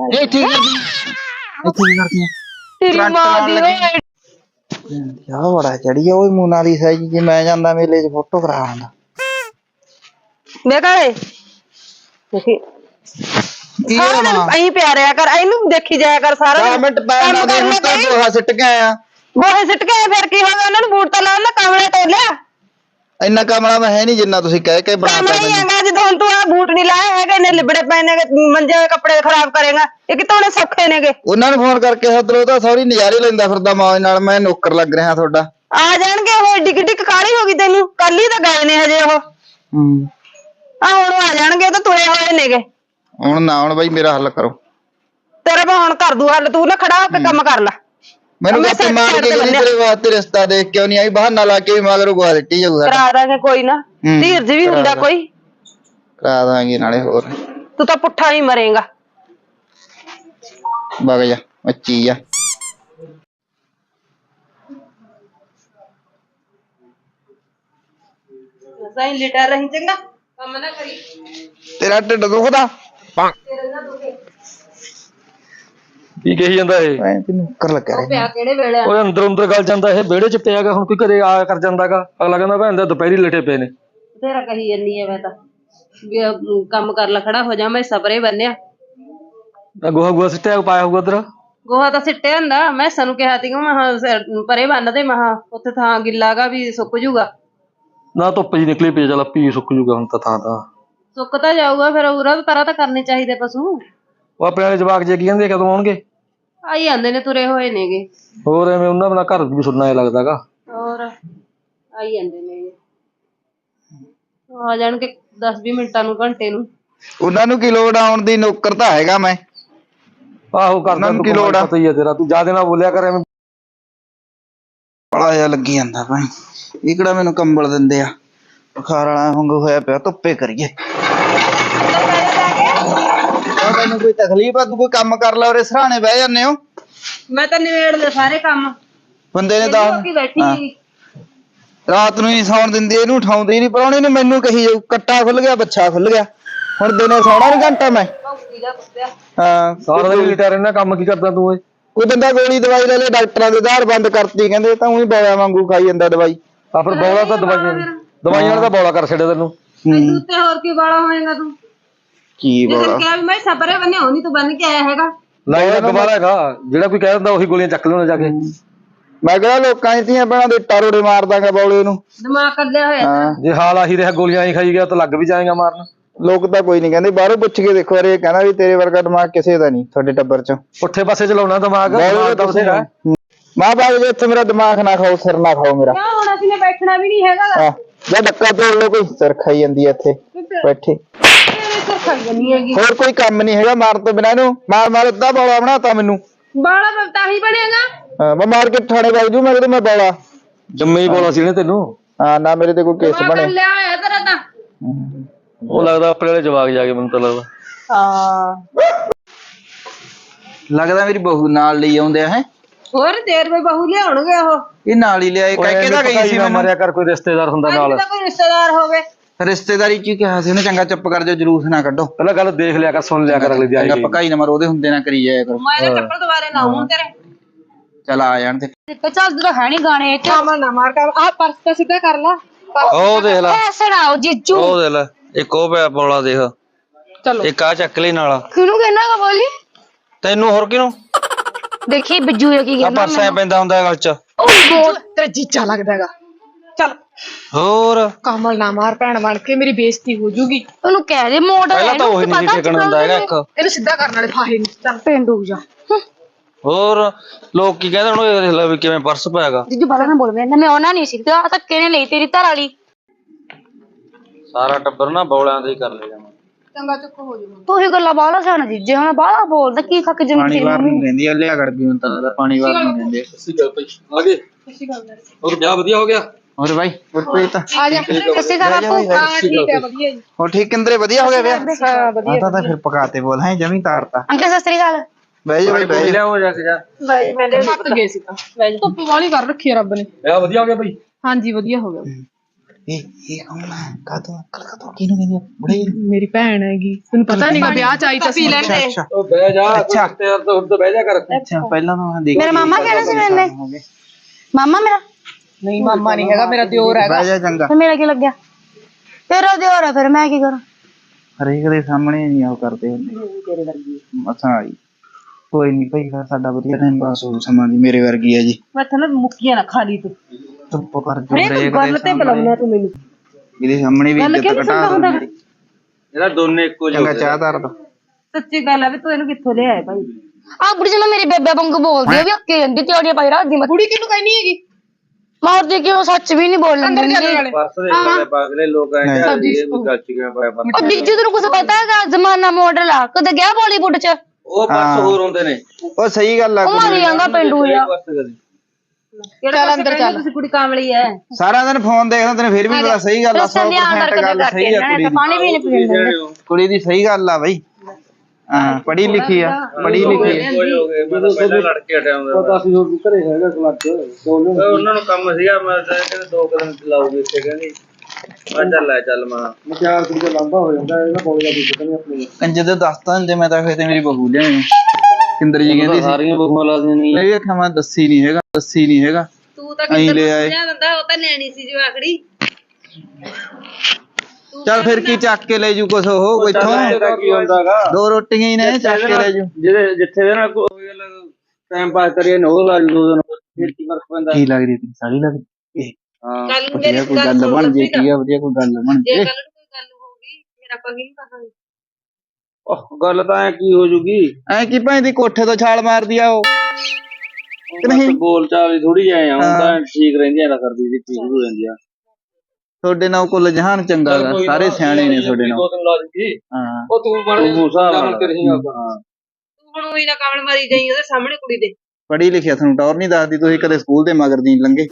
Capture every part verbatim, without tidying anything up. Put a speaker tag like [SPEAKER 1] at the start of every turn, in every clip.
[SPEAKER 1] ਇਹ ਠੀਕ ਕਰਦੀ ਇਹ ਠੀਕ ਕਰਦੀ
[SPEAKER 2] ਤੇਰੀ ਮਾਂ ਦੀ ਓਏ
[SPEAKER 1] ਯਾ ਬੜਾ ਚੜੀ ਓਏ ਮੋਨਾਲੀਸਾ ਜੀ ਜੇ ਮੈਂ ਜਾਂਦਾ ਮੇਲੇ 'ਚ ਫੋਟੋ ਕਰਾ ਆਂਦਾ
[SPEAKER 2] ਦੇਖ ਓਏ ਦੇਖੀ ਸਾਰਾ ਦਿਨ ਅਹੀਂ ਪਿਆ ਰਿਆ ਕਰ ਇਹਨੂੰ ਦੇਖੀ ਜਾਇਆ ਕਰ ਸਾਰਾ
[SPEAKER 1] ਦਸ ਮਿੰਟ ਪੈਣਾ ਦੇ ਮੁੱਤਾ ਗੋਹਾ ਸਿੱਟ ਕੇ ਆਇਆ
[SPEAKER 2] ਗੋਹੇ ਸਿੱਟ ਕੇ ਫਿਰ ਕੀ ਹੋਵੇ ਉਹਨਾਂ ਨੂੰ ਬੂਟ ਤਾਂ ਲਾਉਣ ਨਾ ਕਮਲੇ ਟੋਲਿਆ
[SPEAKER 1] ਇੰਨਾ ਕਮਲਾ ਮੈਂ ਹੈ ਨਹੀਂ ਜਿੰਨਾ ਤੁਸੀਂ ਕਹਿ ਕੇ ਬਣਾਤਾ
[SPEAKER 2] ਮੈਨੂੰ ਜਦੋਂ ਹੁਣ ਤੂੰ ਆ ਬੂਟ ਨਹੀਂ ਲਾਏ ਹੈਗੇ ਨੇ ਲਿਬੜੇ ਪਏ ਨੇ ਮੰਜੇ ਦੇ ਕੱਪੜੇ ਖਰਾਬ ਕਰੇਗਾ ਇਹ ਕਿਤੋਂ ਨੇ ਸੌਖੇ ਨੇਗੇ
[SPEAKER 1] ਉਹਨਾਂ ਨੂੰ ਫੋਨ ਕਰਕੇ ਸੱਦਲੋ ਤਾਂ ਸੌਰੀ ਨਜ਼ਾਰੇ ਲੈਂਦਾ ਫਿਰਦਾ ਮੌਜ ਨਾਲ ਮੈਂ ਨੌਕਰ ਲੱਗ ਰਿਹਾ ਤੁਹਾਡਾ
[SPEAKER 2] ਆ ਜਾਣਗੇ ਉਹ ਏਡੀ ਕਿੱਡੀ ਕਾਲੀ ਹੋ ਗਈ ਤੈਨੂੰ ਕੱਲ ਹੀ ਤਾਂ ਗਏ ਨੇ ਹਜੇ ਉਹ
[SPEAKER 1] ਹੂੰ
[SPEAKER 2] ਆ ਹੁਣ ਆ ਜਾਣਗੇ ਤਾਂ ਤੁਰੇ ਹੋਏ ਨੇਗੇ
[SPEAKER 1] ਹੁਣ ਨਾ ਹੁਣ ਬਾਈ ਮੇਰਾ ਹੱਲ ਕਰੋ
[SPEAKER 2] ਤੇਰੇ ਮੈਂ ਹੁਣ ਕਰ ਦੂ ਹੱਲ ਤੂੰ ਨਾ ਖੜਾ ਹੋ ਕੇ ਕੰਮ ਕਰ ਲੈ
[SPEAKER 1] ਮੈਨੂੰ ਗੱਤੇ ਮਾਰ ਕੇ ਗਈ ਤੇਰੇ ਵਾਸਤੇ ਰਿਸ਼ਤਾ ਦੇਖ ਕੇ ਨਹੀਂ ਆਈ ਬਹਾਨਾ ਲਾ ਕੇ ਵੀ ਮਗਰੋਂ ਗਵਾ ਦਿੱਤੀ ਜਾਊਗਾ
[SPEAKER 2] ਕਰਾ ਦਾਂਗੇ ਕੋਈ ਨਾ ਧੀਰਜ ਵੀ ਹੁੰਦਾ ਕੋਈ
[SPEAKER 1] ਕਰਾ ਦਾਂਗੇ ਨਾਲੇ ਹੋਰ
[SPEAKER 2] ਤੂੰ ਤਾਂ ਪੁੱਠਾ ਹੀ ਮਰੇਗਾ
[SPEAKER 1] ਵਗ ਜਾ ਮੱਚੀ ਆ
[SPEAKER 2] ਸਹੀ ਲਿਟਾ ਰਹੀ ਚੰਗਾ ਕੰਮ ਨਾ ਕਰੀ
[SPEAKER 1] ਤੇਰਾ ਢਿੱਡ ਦੁਖਦਾ
[SPEAKER 2] ਤੇਰੇ ਨਾਲ ਦੁਖੇ
[SPEAKER 3] ਕੀ ਕਹੀ ਜਾਂਦਾ ਇਹ
[SPEAKER 1] ਐ ਤੈਨੂੰ ਕਰ ਲੱਗਾ
[SPEAKER 2] ਉਹ ਪਿਆ ਕਿਹੜੇ ਵੇਲੇ
[SPEAKER 3] ਓਏ ਅੰਦਰ ਅੰਦਰ ਗੱਲ ਜਾਂਦਾ ਇਹ ਵਿਹੜੇ ਚ ਪਿਆਗਾ ਹੁਣ ਕੋਈ ਘਰੇ ਆ ਕਰ ਜਾਂਦਾਗਾ ਅਗਲਾ ਕਹਿੰਦਾ ਭੈਣ ਦੇ ਦੁਪਹਿਰੀ ਲਟੇ ਪਏ ਨੇ
[SPEAKER 2] ਤੇਰਾ ਕਹੀ ਜੰਨੀ ਐ ਮੈਂ ਤਾਂ ਵੀ ਕੰਮ ਕਰ ਲੈ ਖੜਾ ਹੋ ਜਾ ਮੈਂ ਸਪਰੇ ਬੰਨਿਆ
[SPEAKER 3] ਗੋਹਾ ਗੋਹਾ ਸਿੱਟਿਆ ਪਾਇਆ ਹੋਊਗਾ ਉਧਰ
[SPEAKER 2] ਗੋਹਾ ਤਾਂ ਸਿੱਟਿਆ ਹੁੰਦਾ ਮੈਂ ਸਾਨੂੰ ਕਿਹਾ ਸੀਗਾ ਮੈਂ ਪਰੇ ਬੰਨ ਦੇ ਮਹਾ ਉੱਥੇ ਥਾਂ ਗਿੱਲਾਗਾ ਵੀ ਸੁੱਕ ਜੂਗਾ
[SPEAKER 3] ਨਾ ਧੁੱਪ ਜੀ ਨਿਕਲੀ ਪਈ ਚੱਲ ਪੀ ਸੁੱਕ ਜੂਗਾ ਹੁਣ ਤਾਂ ਥਾਂ ਤਾਂ
[SPEAKER 2] ਸੁੱਕ ਤਾਂ ਜਾਊਗਾ ਫਿਰ ਉਰਾ ਪਰਾ ਤਾਂ ਕਰਨੇ ਚਾਹੀਦੇ ਪਸ਼ੂ
[SPEAKER 3] ਉਹ ਆਪਣੇ ਵਾਲੇ ਜਵਾਕ ਜੇ ਕੀ ਕਹਿੰਦੇ ਕਦੋਂ ਆਉਣਗੇ
[SPEAKER 2] ਆਈ ਜਾਂਦੇ ਨੇ ਤੁਰੇ ਹੋਏ ਨੇਗੇ
[SPEAKER 3] ਹੋਰ ਐਵੇਂ ਉਹਨਾਂ ਬਣਾ ਘਰ ਵੀ ਸੁਣਨਾ ਇਹ ਲੱਗਦਾਗਾ
[SPEAKER 2] ਹੋਰ ਆਈ ਜਾਂਦੇ ਨੇ ਆ ਜਾਣਗੇ ਦਸ ਵੀਹ ਮਿੰਟਾਂ ਨੂੰ ਘੰਟੇ ਨੂੰ
[SPEAKER 1] ਉਹਨਾਂ ਨੂੰ ਕੀ ਲੋੜ ਆਉਣ ਦੀ ਨੌਕਰ ਤਾਂ ਹੈਗਾ ਮੈਂ
[SPEAKER 3] ਆਹੋ ਕਰਦਾ ਤੂੰ ਪਤਾ ਹੀ ਹੈ ਤੇਰਾ ਤੂੰ ਜਿਆਦਾ ਨਾ ਬੋਲਿਆ ਕਰ ਐਵੇਂ
[SPEAKER 1] ਬੜਾ ਜਿਹਾ ਲੱਗੀ ਜਾਂਦਾ ਭਾਈ ਇਹ ਕਿਹੜਾ ਮੈਨੂੰ ਕੰਬਲ ਦਿੰਦੇ ਆ ਬੁਖਾਰ ਵਾਲਾ ਵਾਂਗੂ ਹੋਇਆ ਪਿਆ ਧੁੱਪੇ ਕਰੀਏ ਤੈਨੂੰ ਕੋਈ ਤਕਲੀਫ ਆ ਤੂੰ ਕੋਈ ਕੰਮ ਕਰ ਲੈ ਉਰੇ ਸਰਾਣੇ ਬਹਿ ਜਾਂਦੇ ਹੋ
[SPEAKER 2] ਮੈਂ ਤਾਂ ਨਿਬੇੜ ਲਏ ਸਾਰੇ ਕੰਮ
[SPEAKER 1] ਬੰਦੇ ਨੇ ਤਾਂ
[SPEAKER 2] ਬੈਠੀ
[SPEAKER 1] ਰਾਤ ਨੂੰ ਹੀ ਸੌਣ ਦਿੰਦੀ ਇਹਨੂੰ ਉਠਾਉਂਦੀ ਨਹੀਂ ਪ੍ਰਾਹੁਣੇ ਨੂੰ ਮੈਨੂੰ ਕਹੀ ਜਾਊ ਕੱਟਾ ਖੁੱਲ ਗਿਆ ਬੱਚਾ ਖੁੱਲ ਗਿਆ ਹੁਣ ਦਿਨੇ ਸੌਣਾ ਨੀ ਘੰਟਾ ਮੈਂ ਹਾਂ
[SPEAKER 3] ਸਾਰਾ ਦਿਨ ਲਿਟਿਆ ਰਹਿਣਾ ਕੰਮ ਕੀ ਕਰਦਾ ਤੂੰ ਓਏ
[SPEAKER 1] ਕੋਈ ਬੰਦਾ ਗੋਲੀ ਦਵਾਈ ਲੈ ਲੈ ਡਾਕਟਰਾਂ ਦੇ ਆਧਾਰ ਬੰਦ ਕਰਤੀ ਕਹਿੰਦੇ ਤਾਂ ਉਹੀ ਬੌਲਾ ਵਾਂਗੂ ਖਾਈ ਜਾਂਦਾ ਦਵਾਈ
[SPEAKER 3] ਆ ਫਿਰ ਬੌਲਾ ਤਾਂ ਦਵਾਈਆਂ ਦਵਾਈਆਂ ਨਾਲ ਤਾਂ ਬੌਲਾ ਕਰ ਛੱਡਿਆ ਤੈਨੂੰ
[SPEAKER 2] ਤੂੰ ਤੇ ਹੋਰ ਕੀ ਬਾਲਾ ਹੋਏਗਾ ਤੂੰ
[SPEAKER 1] ਕੀ ਬੌਲਾ
[SPEAKER 2] ਕਿਹਾ ਵੀ ਮੈਂ ਸਪਰੇ ਬੰਨੇ ਹੋਣੀ ਤੂੰ ਬੰਨ ਕੇ ਆਇਆ ਹੈਗਾ
[SPEAKER 3] ਲਾਈ ਦਾ ਗਵਾਰਾ ਹੈਗਾ ਜਿਹੜਾ ਕੋਈ ਕਹਿ ਦਿੰਦਾ ਉਹੀ ਗੋਲੀਆਂ ਚੱਕ ਲੈਣਾ ਜਾ ਕੇ
[SPEAKER 1] ਮੈਂ ਕਿਹਾ ਲੋਕਾਂ ਦੀਆਂ ਭੈਣਾਂ ਦੇ ਟਾਰੋੜੇ ਮਾਰ ਦਾਂਗਾ ਬੌਲੇ ਨੂੰ
[SPEAKER 2] ਦਿਮਾਗ ਕੱਢਿਆ ਹੋਇਆ
[SPEAKER 3] ਜੇ ਹਾਲ ਆਹੀ ਰਿਹਾ ਗੋਲੀਆਂ ਹੀ ਖਾਈ ਗਿਆ ਤਾਂ ਲੱਗ ਵੀ ਜਾਏਗਾ ਮਾਰਨ
[SPEAKER 1] ਲੋਕ ਤਾਂ ਕੋਈ ਨਹੀਂ ਕਹਿੰਦੇ ਬਾਹਰੋਂ ਪੁੱਛ ਕੇ ਦੇਖੋ ਅਰੇ ਕਹਿੰਦਾ ਵੀ ਤੇਰੇ ਵਰਗਾ ਦਿਮਾਗ ਕਿਸੇ ਦਾ ਨਹੀਂ ਤੁਹਾਡੇ ਟੱਬਰ ਚ
[SPEAKER 3] ਪੁੱਠੇ ਪਾਸੇ ਚਲਾਉਣਾ ਦਿਮਾਗ
[SPEAKER 1] ਮਾਂ ਬਾਪ ਜੇ ਇੱਥੇ ਮੇਰਾ ਦਿਮਾਗ ਨਾ ਖਾਓ ਸਿਰ ਨਾ ਖਾਓ ਮੇਰਾ
[SPEAKER 2] ਕਿਉਂ ਹੁਣ ਅਸੀਂ ਨੇ ਬੈਠਣਾ ਵੀ ਨਹੀਂ ਹੈਗਾ
[SPEAKER 1] ਜਾਂ ਡੱਕਾ ਤੋੜ ਲੋ ਕੋਈ ਸਿਰ ਖਾਈ ਜਾਂਦੀ ਹੈ ਇੱਥੇ ਬੈਠੇ ਹੋਰ ਕੋਈ ਕੰਮ ਨਹੀਂ ਹੈਗਾ ਮਾਰਨ ਤੋਂ ਬਿਨਾਂ ਇਹਨੂੰ ਮਾਰ ਮਾਰ ਅੱਧਾ ਬੌਲਾ ਬਣਾਤਾ ਮੈਨੂੰ
[SPEAKER 2] ਬਾਲਾ ਤਾਂ ਹੀ ਬਣੇਗਾ
[SPEAKER 1] ਮੈਂ ਮਾਰ ਕੇ ਥਾਣੇ ਵਗ ਜੂ ਮੈਂ ਕਿਤੇ ਮੈਂ ਬੌਲਾ
[SPEAKER 3] ਜੰਮੇ ਹੀ ਬੋਲਾ ਸੀ ਇਹਨੇ ਤੈਨੂੰ
[SPEAKER 1] ਹਾਂ ਨਾ ਮੇਰੇ ਤੇ ਕੋਈ ਕੇਸ ਬਣੇ
[SPEAKER 2] ਲਿਆ ਹੋਇਆ ਤੇਰਾ ਤਾਂ
[SPEAKER 3] ਉਹ ਲੱਗਦਾ ਆਪਣੇ ਵਾਲੇ ਜਵਾਕ ਜਾ ਕੇ ਮੈਨੂੰ ਤਾਂ ਲੱਗਦਾ
[SPEAKER 2] ਹਾਂ
[SPEAKER 1] ਲੱਗਦਾ ਮੇਰੀ ਬਹੂ ਨਾਲ ਲਈ ਆਉਂਦੇ ਆ ਹੈ
[SPEAKER 2] ਹੋਰ ਦੇਰ ਵੇ ਬਹੂ ਲਿਆਉਣਗੇ ਉਹ
[SPEAKER 1] ਇਹ ਨਾਲ ਹੀ ਲਿਆਏ ਕਹਿ ਕੇ ਤਾਂ ਗਈ ਸੀ
[SPEAKER 3] ਮੈਂ ਮਰਿਆ ਕਰ ਕੋਈ ਰਿਸ਼ਤੇਦਾਰ ਹੁੰਦਾ ਨਾਲ
[SPEAKER 2] ਤਾਂ ਕੋਈ ਰਿਸ਼ਤੇਦਾਰ ਹੋਵੇ
[SPEAKER 1] ਰਿਸ਼ਤੇਦਾਰੀ ਚ ਕਿਹਾ ਸੀ ਉਹਨੇ ਚੰਗਾ ਚੁੱਪ ਕਰ ਜਾ ਜਲੂਸ ਨਾ ਕੱਢੋ
[SPEAKER 3] ਪਹਿਲਾਂ ਗੱਲ ਦੇਖ ਲਿਆ ਕਰ ਸੁਣ ਲਿਆ ਕਰ ਅਗਲੇ ਦੀ
[SPEAKER 1] ਚੰਗਾ ਪਕਾਈ ਨਾ ਮਾਰ ਉਹਦੇ ਹੁੰਦੇ ਨਾ ਕਰੀ ਜਾਇਆ ਕਰੋ
[SPEAKER 2] ਮੈਂ ਤਾਂ ਚੱਪਲ ਦੁਬਾਰੇ ਲਾਉਂ ਤੇਰੇ
[SPEAKER 1] ਚਲ ਆ ਜਾਣ ਤੇ
[SPEAKER 2] ਤੇ ਚੱਲ ਤੂੰ ਹੈ ਨਹੀਂ ਗਾਣੇ ਚ ਕਾਮਲ ਨਾ ਮਾਰ ਕਰ ਆ ਪਰਸ ਤੇ ਸਿੱਧਾ ਕਰ ਲਾ
[SPEAKER 3] ਉਹ ਦੇਖ ਲੈ
[SPEAKER 2] ਐ ਸੜਾਓ ਜੀਜੂ
[SPEAKER 3] ਉਹ ਦੇਖ ਲੈ ਇੱਕ ਉਹ ਪਿਆ ਬੋਲਾ ਦੇਖ
[SPEAKER 2] ਚਲੋ
[SPEAKER 3] ਇੱਕ ਆ ਚੱਕ ਲਈ ਨਾਲ
[SPEAKER 2] ਕਿਹਨੂੰ ਕਹਿਣਾਗਾ ਬੋਲੀ
[SPEAKER 3] ਤੈਨੂੰ ਹੋਰ ਕਿਹਨੂੰ
[SPEAKER 2] ਦੇਖੀ ਬਿੱਜੂ ਇਹ ਕੀ
[SPEAKER 3] ਆ ਪਰਸ ਐ ਪੈਂਦਾ ਹੁੰਦਾ ਗੱਲ ਚ
[SPEAKER 2] ਉਹ ਬਹੁਤ ਤੇਰਾ ਜੀਜਾ ਲੱਗਦਾ ਹੈਗਾ ਚੱਲ
[SPEAKER 3] ਹੋਰ
[SPEAKER 2] ਕਾਮਲ ਨਾ ਮਾਰ ਭੈਣ ਬਣ ਕੇ ਮੇਰੀ ਬੇਇੱਜ਼ਤੀ ਹੋ ਜੂਗੀ ਉਹਨੂੰ ਕਹਿ ਦੇ ਮੋੜ
[SPEAKER 3] ਪਹਿਲਾਂ ਤਾਂ ਉਹੀ ਨਹੀਂ ਟਿਕਣ ਦਿੰਦਾ ਹੈਗਾ ਇੱਕ
[SPEAKER 2] ਇਹਨੂੰ ਸਿੱਧਾ ਕਰਨ ਵਾਲੇ ਫਾਹੇ ਨਹੀਂ ਚੱਲ ਪਿੰਡੂ ਜਾ
[SPEAKER 3] ਹੋਰ ਲੋਕ ਕੀ ਕਹਿੰਦੇ ਹੁਣ ਇਹ ਦੇਖ ਲੈ ਵੀ ਕਿਵੇਂ ਪਰਸ ਪਾਇਆਗਾ
[SPEAKER 2] ਜੀਜੂ ਬਾਲਾ ਨਾ ਬੋਲ ਮੈਂ ਮੈਂ ਉਹਨਾਂ ਨਹੀਂ ਸੀ ਤੇ ਆ ਧੱਕੇ ਨੇ ਲਈ ਤੇਰੀ ਧਰ ਵਾਲੀ
[SPEAKER 3] ਸਾਰਾ ਟੱਬਰ ਨਾ ਬੌਲਿਆਂ ਦੇ ਹੀ ਕਰ ਲੈ ਜਾਵਾਂ
[SPEAKER 2] ਚੰਗਾ ਚੁੱਪ ਹੋ ਜਾ ਤੂੰ ਹੀ ਗੱਲਾਂ ਬਾਲਾ ਸਿਆਣਾ ਜੀਜੇ ਹੁਣ ਬਾਲਾ ਬੋਲਦਾ ਕੀ ਖੱਕ ਜਮ
[SPEAKER 1] ਪਾਣੀ ਵਾਰ ਨੂੰ ਕਹਿੰਦੀ ਆ ਲਿਆ ਗੜ ਵੀ ਹੁਣ ਤਾਂ ਪਾਣੀ ਵਾਰ ਨੂੰ ਕਹਿੰਦੇ
[SPEAKER 3] ਸੱਸੀ ਗੱਲ ਭਾਈ ਆ ਗਏ ਸੱਸੀ ਗੱਲ ਹੋਰ ਕਿਆ ਵਧੀਆ ਹੋ ਗਿਆ
[SPEAKER 1] ਹੋਰ ਬਾਈ ਗੁਰਪ੍ਰੀਤ ਤਾਂ
[SPEAKER 2] ਆ ਜਾ ਸੱਸੀ ਗੱਲ ਆਪੂ ਹਾਂ ਠੀਕ ਹੈ ਵਧੀਆ ਜੀ
[SPEAKER 1] ਹੋਰ ਠੀਕ ਕਿੰਦਰੇ ਵਧੀਆ ਹੋ ਗਿਆ ਵਿਆਹ ਹਾਂ ਵਧੀਆ ਤਾਂ ਫਿਰ ਪਕਾਤੇ ਬੋਲ ਹੈ ਜਮੀ ਤਾਰਤਾ
[SPEAKER 2] ਅੰਕਲ ਸਤਿ ਸ੍ਰੀ ਅਕਾਲ
[SPEAKER 1] ਬਹਿ ਜਾ ਬਾਈ ਬਹਿ ਜਾ
[SPEAKER 3] ਹੋ ਜਾ ਕੇ ਜਾ
[SPEAKER 2] ਬਾਈ ਮੈਂ ਥੱਕ ਗਏ ਸੀ ਤਾਂ ਧੁੱਪ ਵਾਲੀ ਕਰ ਰੱਖੀ ਰੱਬ ਨੇ
[SPEAKER 3] ਵਿਆਹ ਵਧੀਆ ਹੋ ਗਿਆ ਭਾਈ
[SPEAKER 2] ਹਾਂਜੀ ਵਧੀਆ ਹੋ ਗਿਆ
[SPEAKER 1] ਇਹ ਇਹ ਕੌਣ ਹੈ ਕਾਤੋਂ ਅੰਕਲ ਕਾਤੋਂ ਕਿਹਨੂੰ ਕਹਿੰਦੇ ਬੁੜੇ
[SPEAKER 4] ਮੇਰੀ ਭੈਣ ਹੈਗੀ ਤੈਨੂੰ ਪਤਾ ਨਹੀਂਗਾ ਵਿਆਹ ਚ ਆਈ ਤਾਂ ਸੀ
[SPEAKER 1] ਅੱਛਾ ਅੱਛਾ
[SPEAKER 3] ਉਹ ਬਹਿ ਜਾ
[SPEAKER 1] ਅੱਛਾ।
[SPEAKER 3] ਤੇ ਯਾਰ ਤੋਂ ਬਹਿ ਜਾ ਕਰ
[SPEAKER 1] ਅੱਛਾ ਪਹਿਲਾਂ ਤਾਂ ਮੈਂ ਦੇਖ
[SPEAKER 2] ਮੇਰਾ ਮਾਮਾ ਕਹਿਣਾ ਸੀ ਮੈਨੇ ਮਾਮਾ ਮੇਰਾ
[SPEAKER 4] ਨਹੀਂ ਮਾਮਾ ਨਹੀਂ ਹੈਗਾ ਮੇਰਾ ਦਿਓਰ ਹੈਗਾ
[SPEAKER 1] ਬਹਿ ਜਾ ਚੰਗਾ
[SPEAKER 2] ਤੇ ਮੇਰਾ ਕੀ ਲੱਗਿਆ ਤੇਰਾ ਦਿਓਰ ਆ ਫਿਰ ਮੈਂ ਕੀ ਕਰਾਂ
[SPEAKER 1] ਹਰੇਕ ਦੇ ਸਾਹਮਣੇ ਨਹੀਂ ਉਹ ਕਰਦੇ ਹੁੰਦੇ
[SPEAKER 4] ਤੇਰੇ ਵਰਗੀ
[SPEAKER 1] ਮਸਾਂ ਆਈ ਕੋਈ ਨਹੀਂ ਭਾਈ ਫਿਰ ਸਾਡਾ ਵਧੀਆ ਟਾਈਮ ਪਾਸ ਹੋ ਸਮਾਂ ਦੀ ਮੇਰੇ ਵਰਗੀ ਹੈ ਜੀ
[SPEAKER 4] ਮੈਂ ਤਾਂ ਮੁੱਕੀਆਂ ਨਾ ਖਾ ਲਈ ਤੂੰ
[SPEAKER 1] ਚੁੱਪ ਕਰ ਜੋ
[SPEAKER 4] ਹਰੇਕ
[SPEAKER 1] ਹਰੇਕ
[SPEAKER 4] ਗੱਲ
[SPEAKER 1] ਦੇ
[SPEAKER 4] ਤੇ ਬੁਲਾਉਣਾ ਤੂੰ ਮੈਨੂੰ
[SPEAKER 1] ਇਹਦੇ ਸਾਹਮਣੇ ਵੀ
[SPEAKER 4] ਗੱਲ
[SPEAKER 1] ਇੱਜ਼ਤ
[SPEAKER 4] ਕਿਉਂ ਨੀ
[SPEAKER 1] ਘਟਾ
[SPEAKER 4] ਸੁਣਦਾ
[SPEAKER 1] ਦਿੰਦੇ
[SPEAKER 3] ਇਹਦਾ ਦੋਨੇ ਇੱਕੋ ਜਿਹੇ
[SPEAKER 1] ਚੰਗਾ ਚਾਹ ਧਰ ਦੋ
[SPEAKER 4] ਸੱਚੀ ਗੱਲ ਆ ਵੀ ਤੂੰ ਇਹਨੂੰ ਕਿੱਥੋਂ ਲਿਆਇਆ ਭਾਈ
[SPEAKER 2] ਆ ਬੁੜੀ ਜਿਹਨੂੰ ਮੇਰੀ ਬੇਬੇ ਵਾਂਗੂ ਬੋਲਦੀ ਆ ਵੀ ਅੱਕੇ ਜਾਂਦੀ ਤਿਉੜੀਆਂ ਪਾਈ ਰੱਖਦੀ ਮੈਂ
[SPEAKER 4] ਕੁੜੀ ਕਿਹਨੂੰ ਕਹਿਣੀ ਹੈਗੀ
[SPEAKER 2] ਮਾਰਦੀ ਕਿਉਂ ਸੱਚ ਵੀ ਨਹੀਂ ਬੋਲਣ
[SPEAKER 4] ਅੰਦਰ
[SPEAKER 2] ਦਿੰਦੀ
[SPEAKER 4] ਚੱਲ ਵਾਲੇ
[SPEAKER 3] ਪਰਸ ਦੇ ਵਾਲੇ ਪਾਗਲੇ ਲੋਕ ਐ ਕਰਦੇ ਇਹ ਵੀ ਗੱਚ ਗਿਆ ਪਾਇਆ ਪਰਸ
[SPEAKER 2] ਉਹ ਦਿੱਜੂ ਤੈਨੂੰ ਕੁਝ ਪਤਾ ਹੈਗਾ ਜ਼ਮਾਨਾ ਮਾਡਲ ਆ ਕਦੇ ਗਿਆ ਬਾਲੀਵੁੱਡ ਚ
[SPEAKER 3] ਉਹ ਪਰਸ ਹੋਰ ਹੁੰਦੇ ਨੇ
[SPEAKER 1] ਉਹ ਸਹੀ ਗੱਲ ਆ
[SPEAKER 2] ਉਹ ਮਾਰੀ ਜਾਂਦਾ ਪਿੰਡੂ ਜਿਹਾ
[SPEAKER 3] ਪਰਸ ਕਦੇ
[SPEAKER 4] ਚੱਲ ਅੰਦਰ ਚੱਲ ਤੁਸੀਂ ਕੁੜੀ ਕਾਮਲੀ ਐ
[SPEAKER 1] ਸਾਰਾ ਦਿਨ ਫੋਨ ਦੇਖਦਾ ਤੈਨੂੰ ਫਿਰ ਵੀ ਪਤਾ ਸਹੀ ਗੱਲ ਆ ਸੌ percent ਗੱਲ ਸਹੀ ਆ ਕੁੜੀ ਦੀ
[SPEAKER 2] ਪਾਣੀ ਵੀ ਨਹੀਂ ਪੀਣ ਦਿੰਦੇ
[SPEAKER 1] ਕੁੜੀ ਦੀ ਸਹੀ ਗੱਲ ਆ ਬਈ ਹਾਂ ਪੜ੍ਹੀ ਲਿਖੀ ਆ ਪੜ੍ਹੀ ਲਿਖੀ ਆ
[SPEAKER 3] ਕੋਈ ਹੋ ਗਏ ਮੈਂ ਤਾਂ ਪਹਿਲਾਂ ਲੜ ਕੇ ਹਟਿਆ ਹੁੰਦਾ ਪਤਾ ਸੀ ਉਹ ਘਰੇ ਹੈਗਾ ਕਲੱਚ ਉਹਨਾਂ ਨੂੰ ਕੰਮ ਸੀਗਾ ਮੈਂ ਤਾਂ ਕਹਿੰਦੇ ਦੋ ਕੁ ਦਿਨ ਚਲਾਉਗੇ ਇੱਥੇ ਕਹਿੰਦੀ ਮੈਂ ਚੱਲ ਲੈ ਚੱਲ ਮਾਂ ਮਚਾਰ ਕੁੜੀ ਦਾ ਲੰਬਾ ਹੋ ਜਾਂਦਾ ਇਹਦਾ ਬੋਲ ਜਾ ਵੀ ਪਤਾ ਨਹੀਂ ਆਪਣੇ
[SPEAKER 1] ਕੰਜੇ ਦੇ ਦੱਸਦਾ ਹੁੰਦੇ ਮੈਂ ਤਾਂ ਕਿਤੇ ਮੇਰੀ ਬਹੂ ਲਿਆਈ ਕਿੰਦਰ ਜੀ ਕਹਿੰਦੀ ਸੀ
[SPEAKER 3] ਸਾਰੀਆਂ ਬਹੂਆਂ ਲਾਦੀਆਂ ਨਹੀਂ
[SPEAKER 1] ਇਹ ਵੇਖਾਂ ਮੈਂ ਦੱਸੀ ਨਹੀਂ ਹੈਗਾ ਦੱਸੀ ਨਹੀਂ ਹੈਗਾ
[SPEAKER 4] ਤੂੰ ਤਾਂ
[SPEAKER 1] ਅਹੀਂ ਲੈ ਆਏ
[SPEAKER 4] ਦਿੰਦਾ ਉਹ ਤਾਂ ਲੈਣੀ ਸੀ ਜਵਾਕੜੀ
[SPEAKER 1] ਚੱਲ ਫਿਰ ਕੀ ਚੱਕ ਕੇ ਲੈ ਜੂ ਕੁਛ ਉਹ ਇੱਥੋਂ
[SPEAKER 3] ਕੀ ਹੁੰਦਾਗਾ
[SPEAKER 1] ਦੋ ਰੋਟੀਆਂ ਹੀ ਨੇ ਚੱਕ ਕੇ ਲੈ ਜੂ
[SPEAKER 3] ਜਿਹਦੇ ਜਿੱਥੇ ਦੇ ਨਾਲ ਕੋਈ ਟਾਈਮ ਪਾਸ ਕਰੀਏ ਨਾ ਉਹ ਲਾ ਲੂ ਫਿਰ ਕੀ ਫਰਕ ਪੈਂਦਾ
[SPEAKER 1] ਕੀ ਲੱਗਦੀ ਤੈਨੂੰ ਸਾਰੀ ਲੱਗਦੀ
[SPEAKER 3] ਹਾਂ
[SPEAKER 4] ਕੱਲ ਨੂੰ
[SPEAKER 1] ਵਧੀਆ ਕੋਈ ਗੱਲ ਬਣ ਜੇ ਕੀ ਆ ਵਧੀਆ ਕੋਈ ਗੱਲ ਬਣ
[SPEAKER 4] ਜੇ
[SPEAKER 1] ਜੇ
[SPEAKER 4] ਕੱਲ ਨੂੰ ਕੋਈ ਗੱਲ ਹੋਊਗੀ ਫਿਰ ਆਪਾਂ ਕੀ ਕਰਾਂਗੇ
[SPEAKER 3] ਉਹ ਗੱਲ ਤਾਂ ਐ ਕੀ ਹੋ ਜੂਗੀ
[SPEAKER 1] ਐ ਕੀ ਭਾਂ ਦੀ ਕੋਠੇ ਤੋਂ ਛਾਲ ਮਾਰਦੀ ਆ ਉਹ
[SPEAKER 3] ਨਹੀਂ ਬੋਲ ਚਾਲ ਥੋੜੀ ਜਾਏ ਆ ਹੁਣ ਤਾਂ ਠੀਕ ਰਹਿੰਦੀ ਆ ਨਾ ਕਰਦੀ ਜੀ ਠੀਕ ਹੋ ਜਾਂਦੀ ਆ
[SPEAKER 1] ਤੁਹਾਡੇ ਨਾਲ ਕੁੱਲ ਜਹਾਨ ਚੰਗਾ ਗਾ ਸਾਰੇ ਸਿਆਣੇ ਨੇ ਤੁਹਾਡੇ ਨਾਲ ਹਾਂ
[SPEAKER 3] ਉਹ ਤੂੰ ਬਣ ਜਾਮਲ ਕੇ ਰਹੀ ਹਾਂ
[SPEAKER 4] ਤੂੰ ਹੁਣ ਉਹੀ ਨਾ ਕਾਮਲ ਮਾਰੀ ਜਾਈ ਉਹਦੇ ਸਾਹਮਣੇ ਕੁੜੀ ਦੇ
[SPEAKER 1] ਪੜ੍ਹੀ ਲਿਖਿਆ ਤੁਹਾਨੂੰ ਟੌਰ ਨਹੀਂ ਦੱਸਦੀ ਤੁਸੀਂ ਕਦੇ ਸਕੂਲ ਦੇ ਮਗਰ ਦੀ ਲੰਘੇ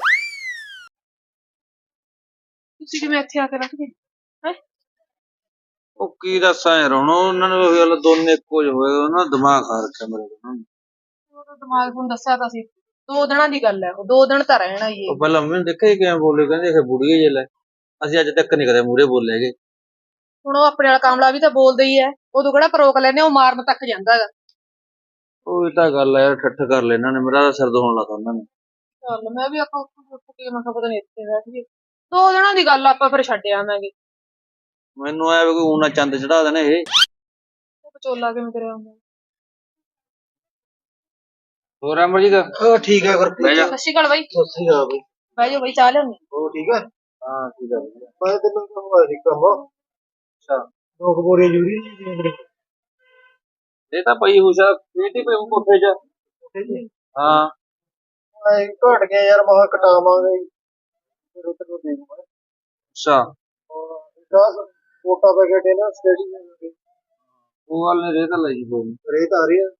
[SPEAKER 4] ਤੁਸੀਂ ਕਿਵੇਂ ਇੱਥੇ ਆ ਕੇ ਰੱਖ ਗਏ ਹੈ
[SPEAKER 3] ਉਹ ਕੀ ਦੱਸਾਂ ਯਾਰ ਹੁਣ ਉਹਨਾਂ ਨੇ ਉਹ ਗੱਲ ਦੋਨੇ ਇੱਕੋ ਜਿਹੇ ਹੋਏ ਉਹਨਾਂ ਦਿਮਾਗ ਖਾ ਰੱਖਿਆ ਮੇਰੇ ਕੋਲ
[SPEAKER 4] ਉਹਦਾ ਦਿਮਾਗ ਨੂੰ ਦੱਸਿਆ ਤਾਂ ਸੀ ਦੋ ਦਿਨਾਂ ਦੀ ਗੱਲ ਹੈ ਉਹ ਦੋ ਦਿਨ ਤਾਂ ਰਹਿਣਾ ਹੀ
[SPEAKER 3] ਉਹ ਪਹਿਲਾਂ ਮੈਨੂੰ ਦੇਖਿਆ ਕਿਵੇਂ ਬੋਲੇ ਕਹਿੰਦੇ ਇਹ ਬੁੜੀਏ ਜੇ ਲੈ ਅਸੀਂ ਅੱਜ ਤੱਕ ਨਹੀਂ ਕਦੇ ਮੂਰੇ ਬੋਲੇ ਹੈਗੇ
[SPEAKER 4] ਹੁਣ ਉਹ ਆਪਣੇ ਵਾਲਾ ਕਾਮਲਾ ਵੀ ਤਾਂ ਬੋਲਦਾ ਹੀ ਹੈ ਉਦੋਂ ਕਿਹੜਾ ਪਰੋਕ ਲੈਨੇ ਉਹ ਮਾਰਨ ਤੱਕ ਜਾਂਦਾ ਹੈਗਾ
[SPEAKER 3] ਉਹ ਤਾਂ ਗੱਲ ਹੈ ਯਾਰ ਠੱਠ ਕਰ ਲੈ ਇਹਨਾਂ ਨੇ ਮੇਰਾ ਤਾਂ ਸਿਰ ਦੁਖਣ ਲੱਗਾ ਉਹਨਾਂ ਨੇ
[SPEAKER 4] ਚੱਲ ਮੈਂ ਵੀ ਆਪਾਂ ਉੱਠ ਕੇ ਮੈਂ ਕਿਹਾ ਪਤਾ ਨਹੀਂ ਇੱਥੇ ਬੈਠ ਗਏ ਦੋ ਦਿਨਾਂ ਦੀ ਗੱਲ ਆਪਾਂ ਫਿਰ ਛੱਡ ਆਵਾਂਗੇ
[SPEAKER 3] ਮੈਨੂੰ ਐ ਵੀ ਕੋਈ ਊਨਾ ਚੰਦ ਚੜਾ ਦੇਣੇ ਇਹ
[SPEAKER 4] ਉਹ ਵਿਚੋਲਾ ਕਿਵੇਂ ਕਰਿਆ ਹੁੰਦਾ
[SPEAKER 3] ਹੋਰ ਅਮਰਜੀਤ
[SPEAKER 1] ਉਹ ਠੀਕ ਆ
[SPEAKER 3] ਬਹਿ ਜਾ
[SPEAKER 4] ਸਤਿ ਸ਼੍ਰੀ ਅਕਾਲ ਬਾਈ
[SPEAKER 3] ਸਤਿ ਸ੍ਰੀ ਅਕਾਲ ਬਈ
[SPEAKER 4] ਬਹਿ ਜਾਓ ਬਾਈ ਚਾਹ ਲਿਆਉਂਦੇ
[SPEAKER 1] ਉਹ ਠੀਕ ਆ
[SPEAKER 3] ਹਾਂ ਠੀਕ ਆ
[SPEAKER 1] ਮੈਂ ਤੈਨੂੰ ਕਹੂੰਗਾ ਸੀ ਕੰਮ
[SPEAKER 3] ਅੱਛਾ
[SPEAKER 1] ਦੋ ਕਬੋਰੀਆਂ ਜੂਰੀ ਨਹੀਂ
[SPEAKER 3] ਇਹ ਤਾਂ ਪਈ ਹੁਸ਼ਾ ਪੀਟੀ ਪਈ ਕੋਠੇ 'ਚ ਹਾਂ
[SPEAKER 1] ਐ ਘਟ ਗਿਆ ਯਾਰ ਮਹਾ ਕਟਾਵਾਂਗੇ ਫਿਰ ਉਹ ਤੈਨੂੰ ਦੇ ਦੂੰਗਾ
[SPEAKER 3] ਅੱਛਾ
[SPEAKER 1] ਦਸ ਕੋਟਾ ਪੈਕੇਟ ਹੈ ਨਾ ਸਟੇਡੀ ਦੇ
[SPEAKER 3] ਉਹ ਵਾਲ ਨੇ ਰੇ ਤਾਂ ਲਈ ਕੋਈ ਨੀ।
[SPEAKER 1] ਰੇਤ ਆ ਰਹੀ ਆ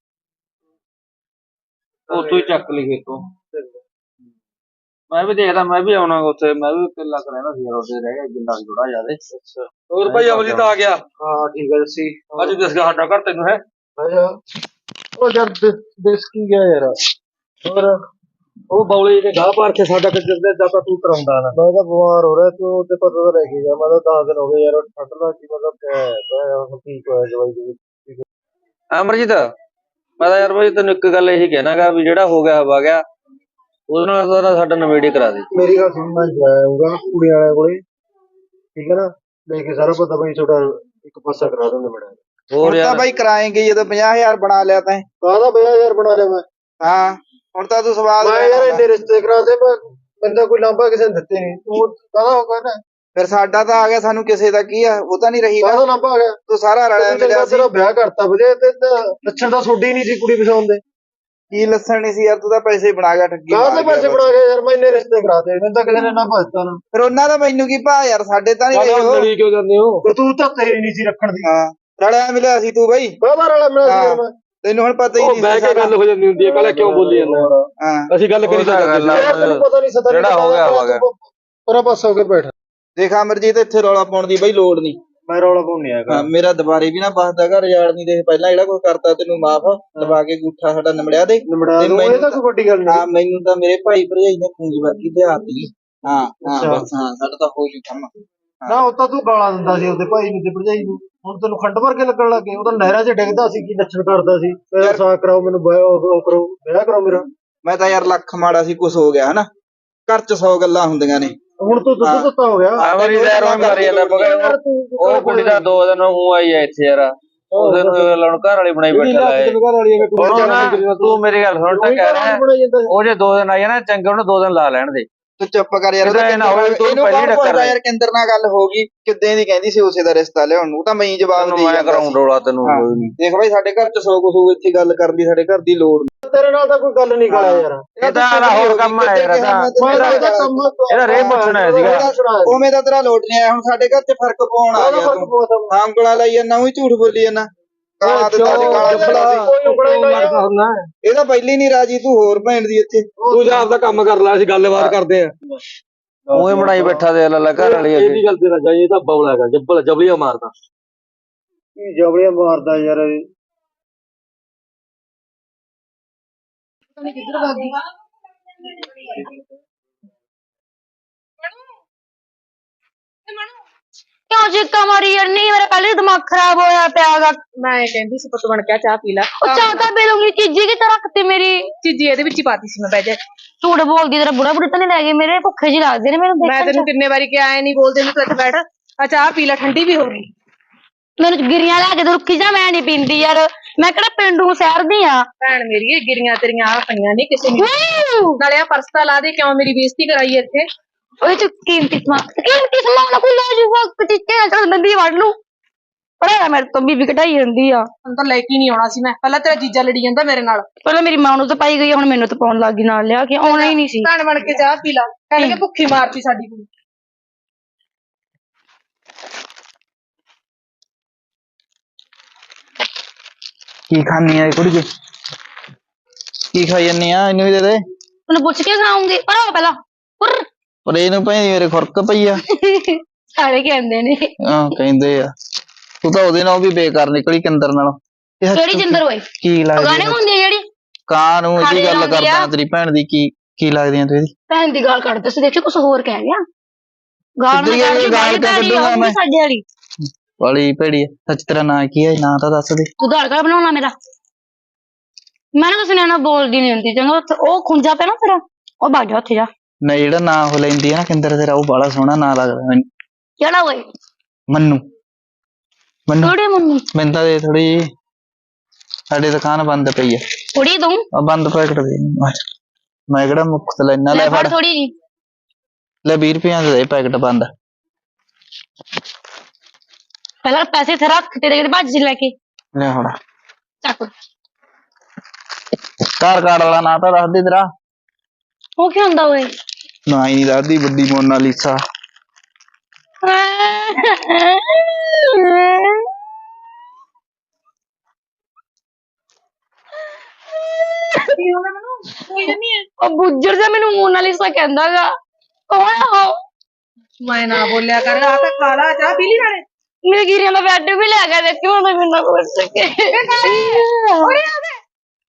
[SPEAKER 3] ਉੱਥੋਂ ਹੀ ਚੱਕ ਲਈ ਖੇਤੋਂ ਮੈਂ ਵੀ ਦੇਖਦਾ ਮੈਂ ਵੀ ਆਉਣਾ ਉੱਥੇ ਮੈਂ ਵੀ ਕਿੱਲਾ ਕਰ ਰਹਿਣਾ ਸੀ ਉਹਦੇ ਰਹਿ ਗਿਆ ਜਿੰਨਾ ਥੋੜਾ ਜਿਆਦਾ ਅੱਛਾ ਹੋਰ ਭਾਈ ਅਮਰਜੀਤ ਆ ਗਿਆ
[SPEAKER 1] ਹਾਂ ਠੀਕ ਹੈ ਸੀ
[SPEAKER 3] ਅੱਜ ਦੱਸ ਗਿਆ ਸਾਡਾ ਘਰ ਤੈਨੂੰ ਹੈ
[SPEAKER 1] ਅੱਛਾ ਉਹ ਜਦ ਦਿਸ ਕੀ ਗਿਆ ਯਾਰ ਹੋਰ
[SPEAKER 3] ਉਹ ਬੌਲੇ ਜਿਹੜੇ ਗਾਹ ਪਾਰ ਕੇ ਸਾਡਾ ਕਿੱਧਰ ਦੇ ਦਾ ਤੂੰ ਕਰਾਉਂਦਾ ਨਾ
[SPEAKER 1] ਮੈਂ ਤਾਂ ਬਿਮਾਰ ਹੋ ਰਿਹਾ ਤੂੰ ਤੇ ਪਤਾ ਤਾਂ ਲੈ ਕੇ ਗਿਆ ਮੈਂ ਤਾਂ ਦਸ ਦਿਨ ਹੋ ਗਏ ਯਾਰ ਠੱਡ ਦਾ ਕੀ ਮਤਲਬ ਪਿਆ ਠੀਕ ਹੋਇਆ ਦਵਾਈ ਦੇ
[SPEAKER 3] ਅਮਰਜੀਤ ਮੈਂ ਤਾਂ ਯਾਰ ਭਾਈ ਤੈਨੂੰ ਇੱਕ ਗੱਲ ਇਹੀ ਕਹਿਣਾਗਾ ਵੀ ਜਿਹੜਾ ਹੋ ਗਿਆ ਹਵਾ ਗਿਆ ਉਹਦੇ ਨਾਲ ਤਾਂ ਸਾਡਾ ਨਵੇੜੇ ਕਰਾ ਦੇ
[SPEAKER 1] ਮੇਰੀ ਗੱਲ ਸੁਣ ਮੈਂ ਜਾਊਂਗਾ ਕੁੜੀ ਵਾਲਿਆਂ ਕੋਲੇ ਠੀਕ ਹੈ ਨਾ ਲੈ ਕੇ ਸਾਰਾ ਪਤਾ ਬਈ ਤੁਹਾਡਾ ਇੱਕ ਪਾਸਾ ਕਰਾ ਦਿੰਦੇ ਬੜਾ
[SPEAKER 3] ਹੋਰ ਯਾਰ
[SPEAKER 1] ਬਾਈ ਕਰਾਏਂਗੇ ਜਦੋਂ ਪੰਜਾਹ ਹਜ਼ਾਰ ਬਣਾ ਲਿਆ ਤੈਂ ਕਾਹਦਾ ਪੰਜਾਹ ਹਜ਼ਾਰ ਬਣਾ ਲਿਆ ਮੈਂ ਹਾਂ ਹੁਣ ਤਾਂ ਤੂੰ ਸਵਾਲ ਮੈਂ ਯਾਰ ਇੰਨੇ ਰਿਸ਼ਤੇ ਕਰਾਤੇ ਮੈਂ ਬੰਦਾ ਕੋਈ ਲਾਂਭਾ ਕਿਸੇ ਨੇ ਦਿੱਤੇ ਨਹੀਂ ਤੂੰ ਕਾਹਦਾ ਹੋ ਗਿਆ ਫਿਰ ਸਾਡਾ ਤਾਂ ਆ ਗਿਆ ਸਾਨੂੰ ਕਿਸੇ ਦਾ ਕੀ ਆ ਉਹ ਤਾਂ ਨਹੀਂ ਰਹੀ ਕਾਹਦਾ ਲਾਂਭਾ ਆ ਗਿਆ ਤੂੰ ਸਾਰਾ ਰਲਿਆ ਮਿਲਿਆ ਸੀ ਵਿਆਹ ਕਰਤਾ ਬਜੇ ਤੇ ਲੱਛਣ ਤਾਂ ਛੋਡੀ ਨਹੀਂ ਸੀ ਕੁੜੀ ਪਸੰਦ ਦੇ ਕੀ ਲੱਛਣ ਨਹੀਂ ਸੀ ਯਾਰ ਤੂੰ ਤਾਂ ਪੈਸੇ ਬਣਾ ਗਿਆ ਠੱਗੀ ਕਾਹਦੇ ਪੈਸੇ ਬਣਾ ਗਿਆ ਯਾਰ ਮੈਂ ਇੰਨੇ ਰਿਸ਼ਤੇ ਕਰਾਤੇ ਮੈਨੂੰ ਤਾਂ ਕਿਸੇ ਨੇ ਨਾ ਭਜਤਾ ਨਾ ਫਿਰ ਉਹਨਾਂ ਦਾ ਮੈਨੂੰ ਕੀ ਭਾ ਯਾਰ ਸਾਡੇ ਤਾਂ ਨਹੀਂ ਰਹੀ
[SPEAKER 3] ਲੜੀ ਕਿਉਂ ਜਾਂਦੇ ਹੋ
[SPEAKER 1] ਪਰ ਤੂੰ ਤਾਂ ਤੇਰੀ ਨਹੀਂ ਸੀ ਰੱਖਣ ਦੀ ਹਾਂ ਰਲਿਆ ਮਿਲਿਆ ਸੀ ਤੂੰ ਬਈ ਕਾਹਦਾ ਰਲਿਆ ਮਿਲਿਆ ਸੀ ਯਾਰ ਮੈਂ ਤੈਨੂੰ ਹੁਣ ਪਤਾ ਹੀ ਨਹੀਂ
[SPEAKER 3] ਬਹਿ ਕੇ ਗੱਲ ਹੋ ਜਾਂਦੀ ਹੁੰਦੀ ਹੈ ਪਹਿਲਾਂ ਕਿਉਂ ਬੋਲੀ ਜਾਂਦਾ
[SPEAKER 1] ਹਾਂ
[SPEAKER 3] ਅਸੀਂ ਗੱਲ ਕਰੀ ਤਾਂ
[SPEAKER 1] ਤੈਨੂੰ ਪਤਾ ਨਹੀਂ ਸਤਾ
[SPEAKER 3] ਜਿਹੜਾ ਹੋ ਗਿਆ ਹੋ ਗਿਆ
[SPEAKER 1] ਪਰਾ ਪਾਸ ਹੋ ਕੇ ਬੈਠ ਦੇਖ ਅਮਰਜੀਤ ਇੱਥੇ ਰੌਲਾ ਪਾਉਣ ਦੀ ਬਈ ਲੋੜ ਨਹੀਂ ਮੈਂ ਰੌਲਾ ਪਾਉਣ ਨਹੀਂ ਆਇਆ ਮੇਰਾ ਦੁਬਾਰੇ ਵੀ ਨਾ ਬਸਦਾ ਘਰ ਯਾਰ ਨਹੀਂ ਦੇਖ ਪਹਿਲਾਂ ਜਿਹੜਾ ਕੋਈ ਕਰਤਾ ਤੈਨੂੰ ਮਾਫ ਦਬਾ ਕੇ ਗੂਠਾ ਸਾਡਾ ਨਿਮੜਿਆ ਦੇ ਨਿਮੜਿਆ ਇਹ ਤਾਂ ਕੋਈ ਵੱਡੀ ਗੱਲ ਨਹੀਂ ਹਾਂ ਮੈਨੂੰ ਤਾਂ ਮੇਰੇ ਭਾਈ ਭਰਜਾਈ ਨੇ ਪੂੰਜ ਵਰਗੀ ਤੇ ਆਤੀ ਹਾਂ ਹਾਂ ਬਸ ਹਾਂ ਸਾਡਾ ਤਾਂ ਹੋ ਜੂ ਕੰਮ।
[SPEAKER 3] ਨਾ ਉਹ ਤਾਂ ਤੂੰ ਗਾਲਾਂ ਦਿੰਦਾ ਸੀ ਉਹਦੇ ਭਾਈ ਨੂੰ ਤੇ ਭਰਜਾਈ ਨੂੰ, ਹੁਣ ਤੈਨੂੰ ਖੰਡ ਭਰ ਕੇ ਲੱਗਣ ਲੱਗੇ। ਉਹ ਤਾਂ ਨਹਿਰਾਂ 'ਚ ਡਿੱਗਦਾ ਸੀ, ਕੀ ਲੱਛਣ ਕਰਦਾ ਸੀ, ਮੇਰਾ ਸਾਕ ਕਰਾਓ, ਮੈਨੂੰ ਵਿਆਹ ਉਹ ਕਰੋ, ਵਿਆਹ ਕਰਾਓ ਮੇਰਾ।
[SPEAKER 1] ਮੈਂ ਤਾਂ ਯਾਰ ਲੱਖ ਮਾੜਾ ਸੀ, ਕੁਛ ਹੋ ਗਿਆ ਹਨਾ। ਘਰ 'ਚ ਸੌ ਗੱਲਾਂ ਹੁੰਦੀਆਂ ਨੇ।
[SPEAKER 3] ਹੁਣ ਤੂੰ ਦੁੱਧ ਦਿੱਤਾ ਹੋ ਗਿਆ।
[SPEAKER 1] ਆਵਰੀ ਦਾ ਰੋਣ ਮਾਰੀ ਜਾਂਦਾ
[SPEAKER 3] ਯਾਰ ਤੂੰ
[SPEAKER 5] ਉਹ ਕੁੜੀ ਦਾ ਦੋ ਦਿਨ ਉਹ ਆਈ ਐ ਇੱਥੇ ਯਾਰ, ਉਹਦੇ ਨੂੰ ਲਾਉਣ ਘਰ ਵਾਲੀ ਬਣਾਈ ਬੈਠਾ ਲੈ। ਤੂੰ ਮੇਰੀ ਗੱਲ ਸੁਣ, ਤਾਂ ਕਹਿ ਰਿਹਾ ਉਹ ਜੇ ਦੋ ਦਿਨ ਆਈ ਨਾ ਚੰਗੇ, ਉਹਨੂੰ ਦੋ ਦਿਨ ਲਾ ਲੈਣ ਦੇ।
[SPEAKER 1] ਤੂੰ ਚੁੱਪ ਕਰ ਯਾਰ। ਇਹਨੂੰ ਕੌਣ ਪੁੱਛਦਾ ਯਾਰ, ਕਿੰਦਰ ਨਾਲ ਗੱਲ ਹੋ ਗਈ ਕਿੱਦਾਂ ਦੀ ਕਹਿੰਦੀ ਸੀ ਉਸੇ ਦਾ ਰਿਸ਼ਤਾ ਲਿਆਉਣ ਨੂੰ, ਤਾਂ ਮੈਂ ਹੀ ਜਵਾਬ ਦੇ
[SPEAKER 5] ਮੈਂ ਕਰਾਉਂ ਰੋਲਾ ਤੈਨੂੰ।
[SPEAKER 1] ਦੇਖ ਬਾਈ ਸਾਡੇ ਘਰ 'ਚ ਸੌ ਕੁਛ ਹੋਊ, ਇੱਥੇ ਗੱਲ ਕਰਨ ਦੀ ਸਾਡੇ ਘਰ ਦੀ ਲੋੜ ਨਹੀਂ।
[SPEAKER 3] ਤੇਰੇ ਨਾਲ ਤਾਂ ਕੋਈ ਗੱਲ ਨਹੀਂ ਕਰਿਆ ਯਾਰ,
[SPEAKER 5] ਇਹ ਤਾਂ ਹੋਰ ਕੰਮ ਆ ਯਾਰ, ਇਹਦਾ ਰੇ ਪੁੱਛਣਾ ਸੀਗਾ।
[SPEAKER 1] ਉਵੇਂ ਤਾਂ ਤੇਰਾ ਲੋਟ ਨਹੀਂ ਆਇਆ, ਹੁਣ ਸਾਡੇ ਘਰ 'ਚ ਫਰਕ ਪਾਉਣ ਆ ਗਿਆ ਤੂੰ। ਹਾਂ ਉਂਗਲਾਂ ਲਾਈ ਜਾਂਦਾ, ਉਹੀ ਝੂਠ ਬੋਲੀ ਜਾਂਦਾ। ਕਾਲਾ ਤੇ ਤਾਜ ਕਾਲਾ ਇਹ ਤਾਂ ਪਹਿਲੀ ਨਹੀਂ ਰਾਜੀ, ਤੂੰ ਹੋਰ ਭੈਣ ਦੀ ਇੱਥੇ।
[SPEAKER 3] ਤੂੰ ਜਾ ਆਪਦਾ ਕੰਮ ਕਰ ਲੈ, ਅਸੀਂ ਗੱਲਬਾਤ ਕਰਦੇ ਆ।
[SPEAKER 5] ਉਹੀ ਬਣਾਈ ਬੈਠਾ ਦੇ ਲੱਲਾ ਘਰ ਵਾਲੀ।
[SPEAKER 3] ਇਹ ਵੀ ਗੱਲ ਤੇਰਾ ਜਾਈ, ਇਹ ਤਾਂ ਬੌਲਾ ਹੈਗਾ, ਜੱਬਲ ਜਬਲੀਆਂ ਮਾਰਦਾ। ਕੀ ਜਬਲੀਆਂ ਮਾਰਦਾ ਯਾਰ ਇਹ।
[SPEAKER 4] ਕਿੱਧਰ ਭਾਗੀ
[SPEAKER 2] ਕਿਉਂ ਚੀਕਾਂ ਮਾਰੀ ਯਾਰ? ਨਹੀਂ ਮੇਰਾ ਪਹਿਲੇ ਦਿਮਾਗ ਖਰਾਬ ਹੋਇਆ ਪਿਆਗਾ।
[SPEAKER 4] ਮੈਂ ਕਹਿੰਦੀ ਸੀ ਪੁੱਤ ਬਣ ਕੇ ਚਾਹ ਪੀ ਲੈ।
[SPEAKER 2] ਉਹ ਚਾਹ ਤਾਂ ਪੀ ਲੂੰਗੀ, ਚੀਜ਼ੀ ਕਿੱਥੇ ਰੱਖਤੀ ਮੇਰੀ?
[SPEAKER 4] ਚੀਜ਼ੀ ਇਹਦੇ ਵਿੱਚ ਹੀ ਪਾਤੀ ਸੀ ਮੈਂ, ਬਹਿ ਜਾ।
[SPEAKER 2] ਝੂਠ ਬੋਲਦੀ, ਤੇਰਾ ਬੁੜਾ ਬੁੜਾ ਤਾਂ ਨਹੀਂ ਲੈ ਗਏ? ਮੇਰੇ ਭੁੱਖੇ ਜਿਹੇ ਲੱਗਦੇ ਨੇ ਮੈਨੂੰ
[SPEAKER 4] ਮੈਂ
[SPEAKER 2] ਦੇਖਣ
[SPEAKER 4] ਤੈਨੂੰ
[SPEAKER 2] ਚ।
[SPEAKER 4] ਕਿੰਨੇ ਵਾਰੀ ਕਿਹਾ ਐ ਨਹੀਂ ਬੋਲਦੇ ਨੂੰ, ਤੂੰ ਇੱਥੇ ਬੈਠ ਆ ਚਾਹ ਪੀ ਲੈ, ਠੰਡੀ ਵੀ ਹੋ ਗਈ।
[SPEAKER 2] ਮੈਨੂੰ ਗਿਰੀਆਂ ਲੈ ਕੇ ਤੇ ਰੁੱਖੀ ਜਾ, ਮੈਂ ਨਹੀਂ ਪੀਂਦੀ ਯਾਰ। ਮੈਂ ਕਿਹੜਾ ਪਿੰਡੂ ਸ਼ਹਿਰ ਦੀ ਆ?
[SPEAKER 4] ਭੈਣ ਮੇਰੀ, ਇਹ ਗਿਰੀਆਂ ਤੇਰੀਆਂ ਆ ਪਈਆਂ ਨਹੀਂ ਕਿਸੇ ਨੇ। ਨਾਲੇ ਆ ਪਰਸ ਤਾਂ ਲਾ ਦੇ, ਕਿਉਂ ਮੇਰੀ ਬੇਇੱਜ਼ਤੀ ਕਰਾਈ ਇੱਥੇ?
[SPEAKER 2] ਓਏ ਤੂੰ ਕੀਮਤੀ ਸਮਾਨ, ਕੀਮਤੀ ਸਮਾਨ ਕੋਈ ਲੈ ਜੂਗਾ, ਚੀਚੇ ਨਾਲ ਤਾਂ ਬੰਦੀ ਵੜ ਲੂ। ਪੜਾ ਮੇਰੇ ਤੋਂ ਬੀਬੀ ਕਢਾਈ ਜਾਂਦੀ ਆ।
[SPEAKER 4] ਹੁਣ ਤਾਂ ਲੈ ਕੇ ਨਹੀਂ ਆਉਣਾ ਸੀ ਮੈਂ, ਪਹਿਲਾਂ ਤੇਰਾ ਜੀਜਾ ਲੜੀ ਜਾਂਦਾ ਮੇਰੇ ਨਾਲ।
[SPEAKER 2] ਪਹਿਲਾਂ ਮੇਰੀ ਮਾਂ ਨੂੰ ਤਾਂ ਪਾਈ ਗਈ, ਹੁਣ ਮੈਨੂੰ ਤਾਂ ਪਾਉਣ ਲੱਗ ਗਈ ਨਾਲ ਲਿਆ ਕੇ। ਆਉਣਾ ਹੀ ਨਹੀਂ ਸੀ।
[SPEAKER 4] ਭੈਣ ਬਣ ਕੇ ਚਾਹ ਪੀ ਲਾ, ਕਹਿੰਦੇ ਕਿ ਭੁੱਖੀ ਮਾਰਤੀ ਸਾਡੀ ਕੁੜੀ।
[SPEAKER 1] ਕੀ ਖਾਣੀ ਆ ਕੁੜੀ? ਕੀ ਖਾਈ ਜਾਂਦੀ ਆ? ਇਹਨੂੰ ਵੀ ਦੇ ਦੇ।
[SPEAKER 2] ਉਹਨੂੰ ਪੁੱਛ ਕੇ ਖਾਉਂਗੀ, ਪਰ ਪਹਿਲਾਂ ਪੁਰ
[SPEAKER 1] ਪਰ ਇਹਨੂੰ ਭਾਈ ਮੇਰੇ ਖੁਰਕ ਪਈ ਆ।
[SPEAKER 2] ਸਾਰੇ ਕਹਿੰਦੇ ਨੇ।
[SPEAKER 1] ਹਾਂ ਕਹਿੰਦੇ ਆ। ਤੂੰ ਤਾਂ ਉਹਦੇ ਨਾਲ ਵੀ ਬੇਕਾਰ ਨਿਕਲੀ, ਕਿੰਦਰ ਨਾਲ।
[SPEAKER 2] ਕਿਹੜੀ ਜਿੰਦਰ ਓਏ?
[SPEAKER 1] ਕੀ
[SPEAKER 2] ਗਾਣੇ
[SPEAKER 1] ਲੱਗਦੀ
[SPEAKER 2] ਹੁੰਦੀ ਜਿਹੜੀ
[SPEAKER 1] ਕਾਂ ਨੂੰ? ਇਹਦੀ ਗੱਲ ਕਰਦਾ ਤੇਰੀ ਭੈਣ ਦੀ। ਕੀ ਕੀ ਲੱਗਦੀ ਆ ਤੂੰ ਇਹਦੀ?
[SPEAKER 2] ਭੈਣ ਦੀ ਗਾਲ ਕੱਢਦੇ ਸੀ, ਦੇਖੀ ਕੁਛ ਹੋਰ ਕਹਿ ਗਿਆ। ਗਾਲ ਨਾ ਕੱਢ, ਗਾਲ ਕੱਢੂਗਾ ਮੈਂ ਸਾਡੇ ਵਾਲੀ
[SPEAKER 1] ਵਾਲੀ ਭੇੜੀ। ਸੱਚ ਤੇਰਾ ਨਾਂ ਕੀ ਹੈ? ਨਾਂ ਤਾਂ ਦੱਸ ਦੇ।
[SPEAKER 2] ਤੂੰ ਗਾਲ ਕਰ ਬਣਾਉਣਾ ਮੇਰਾ। ਮੈਂ ਨਾ ਕਿਸੇ ਨਾਲ ਬੋਲਦੀ ਨੀ ਹੁੰਦੀ, ਚੰਗਾ। ਉਹ ਖੁੰਜਾ ਪਿਆ ਨਾ ਤੇਰਾ, ਉਹ ਭੱਜ ਜਾ ਉੱਥੇ ਜਾ।
[SPEAKER 1] ਨਹੀਂ ਜਿਹੜਾ ਨਾਂ ਉਹ ਲੈਂਦੀ ਆ ਨਾ ਕਿੰਦਰ, ਤੇਰਾ ਉਹ ਬੜਾ ਸੋਹਣਾ ਨਾਂ ਲੱਗਦਾ ਮੈਨੂੰ।
[SPEAKER 2] ਕਿਹੜਾ ਓਏ?
[SPEAKER 1] ਮੰਨੂ। ਮੰਨੂ
[SPEAKER 2] ਥੋੜੀ ਮੰਨੂ
[SPEAKER 1] ਮੈਨੂੰ ਤਾਂ ਦੇ ਥੋੜੀ ਜਿਹੀ। ਸਾਡੀ ਦੁਕਾਨ ਬੰਦ ਪਈ ਆ।
[SPEAKER 2] ਥੋੜੀ ਦੂੰ?
[SPEAKER 1] ਬੰਦ ਪੈਕਟ ਦੇ। ਮੈਂ ਕਿਹੜਾ ਮੁਫਤ ਲੈਣਾ। ਲੈ ਫੜ
[SPEAKER 2] ਥੋੜੀ ਜੀ।
[SPEAKER 1] ਲੈ ਵੀਹ ਰੁਪਈਆਂ ਦੇ ਪੈਕਟ ਬੰਦ।
[SPEAKER 2] ਪਹਿਲਾਂ ਪੈਸੇ ਤੇ ਰੱਖ, ਤੇਰੇ ਕਿਤੇ ਭੱਜ ਲੈ ਕੇ।
[SPEAKER 1] ਲੈ ਹੁਣ
[SPEAKER 2] ਚੱਕ।
[SPEAKER 1] ਕਾਰ ਕਾਰਡ ਵਾਲਾ ਨਾਂ ਤਾਂ ਦੱਸ ਦੇ ਤੇਰਾ।
[SPEAKER 2] ਉਹ ਕੀ ਹੁੰਦਾ ਓਏ?
[SPEAKER 1] ਨਾ ਹੀ ਨਹੀਂ ਦੱਸਦੀ। ਵੱਡੀ ਮੋਨਾਲੀਸਾ।
[SPEAKER 2] ਉਹ ਬੁੱਜਰ ਜਾ ਮੈਨੂੰ ਮੋਨਾਲੀਸਾ ਕਹਿੰਦਾਗਾ। ਕੌਣ ਆ ਉਹ?
[SPEAKER 4] ਮੈਂ ਨਾ ਬੋਲਿਆ ਕਰ, ਆ ਤਾਂ ਖਾ ਲਾ ਚਾਹ ਪੀ ਲਈ ਨਾਲੇ।
[SPEAKER 2] ਮੇਰੇ ਗਿਰੀਆਂ ਦਾ ਬੈੱਡ ਵੀ ਲੈ ਗਿਆ, ਦੇਖੀ ਹੁਣ ਤਾਂ ਮੈਨੂੰ ਪੁੱਛ ਸਕੇ।
[SPEAKER 4] ਓਏ ਆ ਦੇ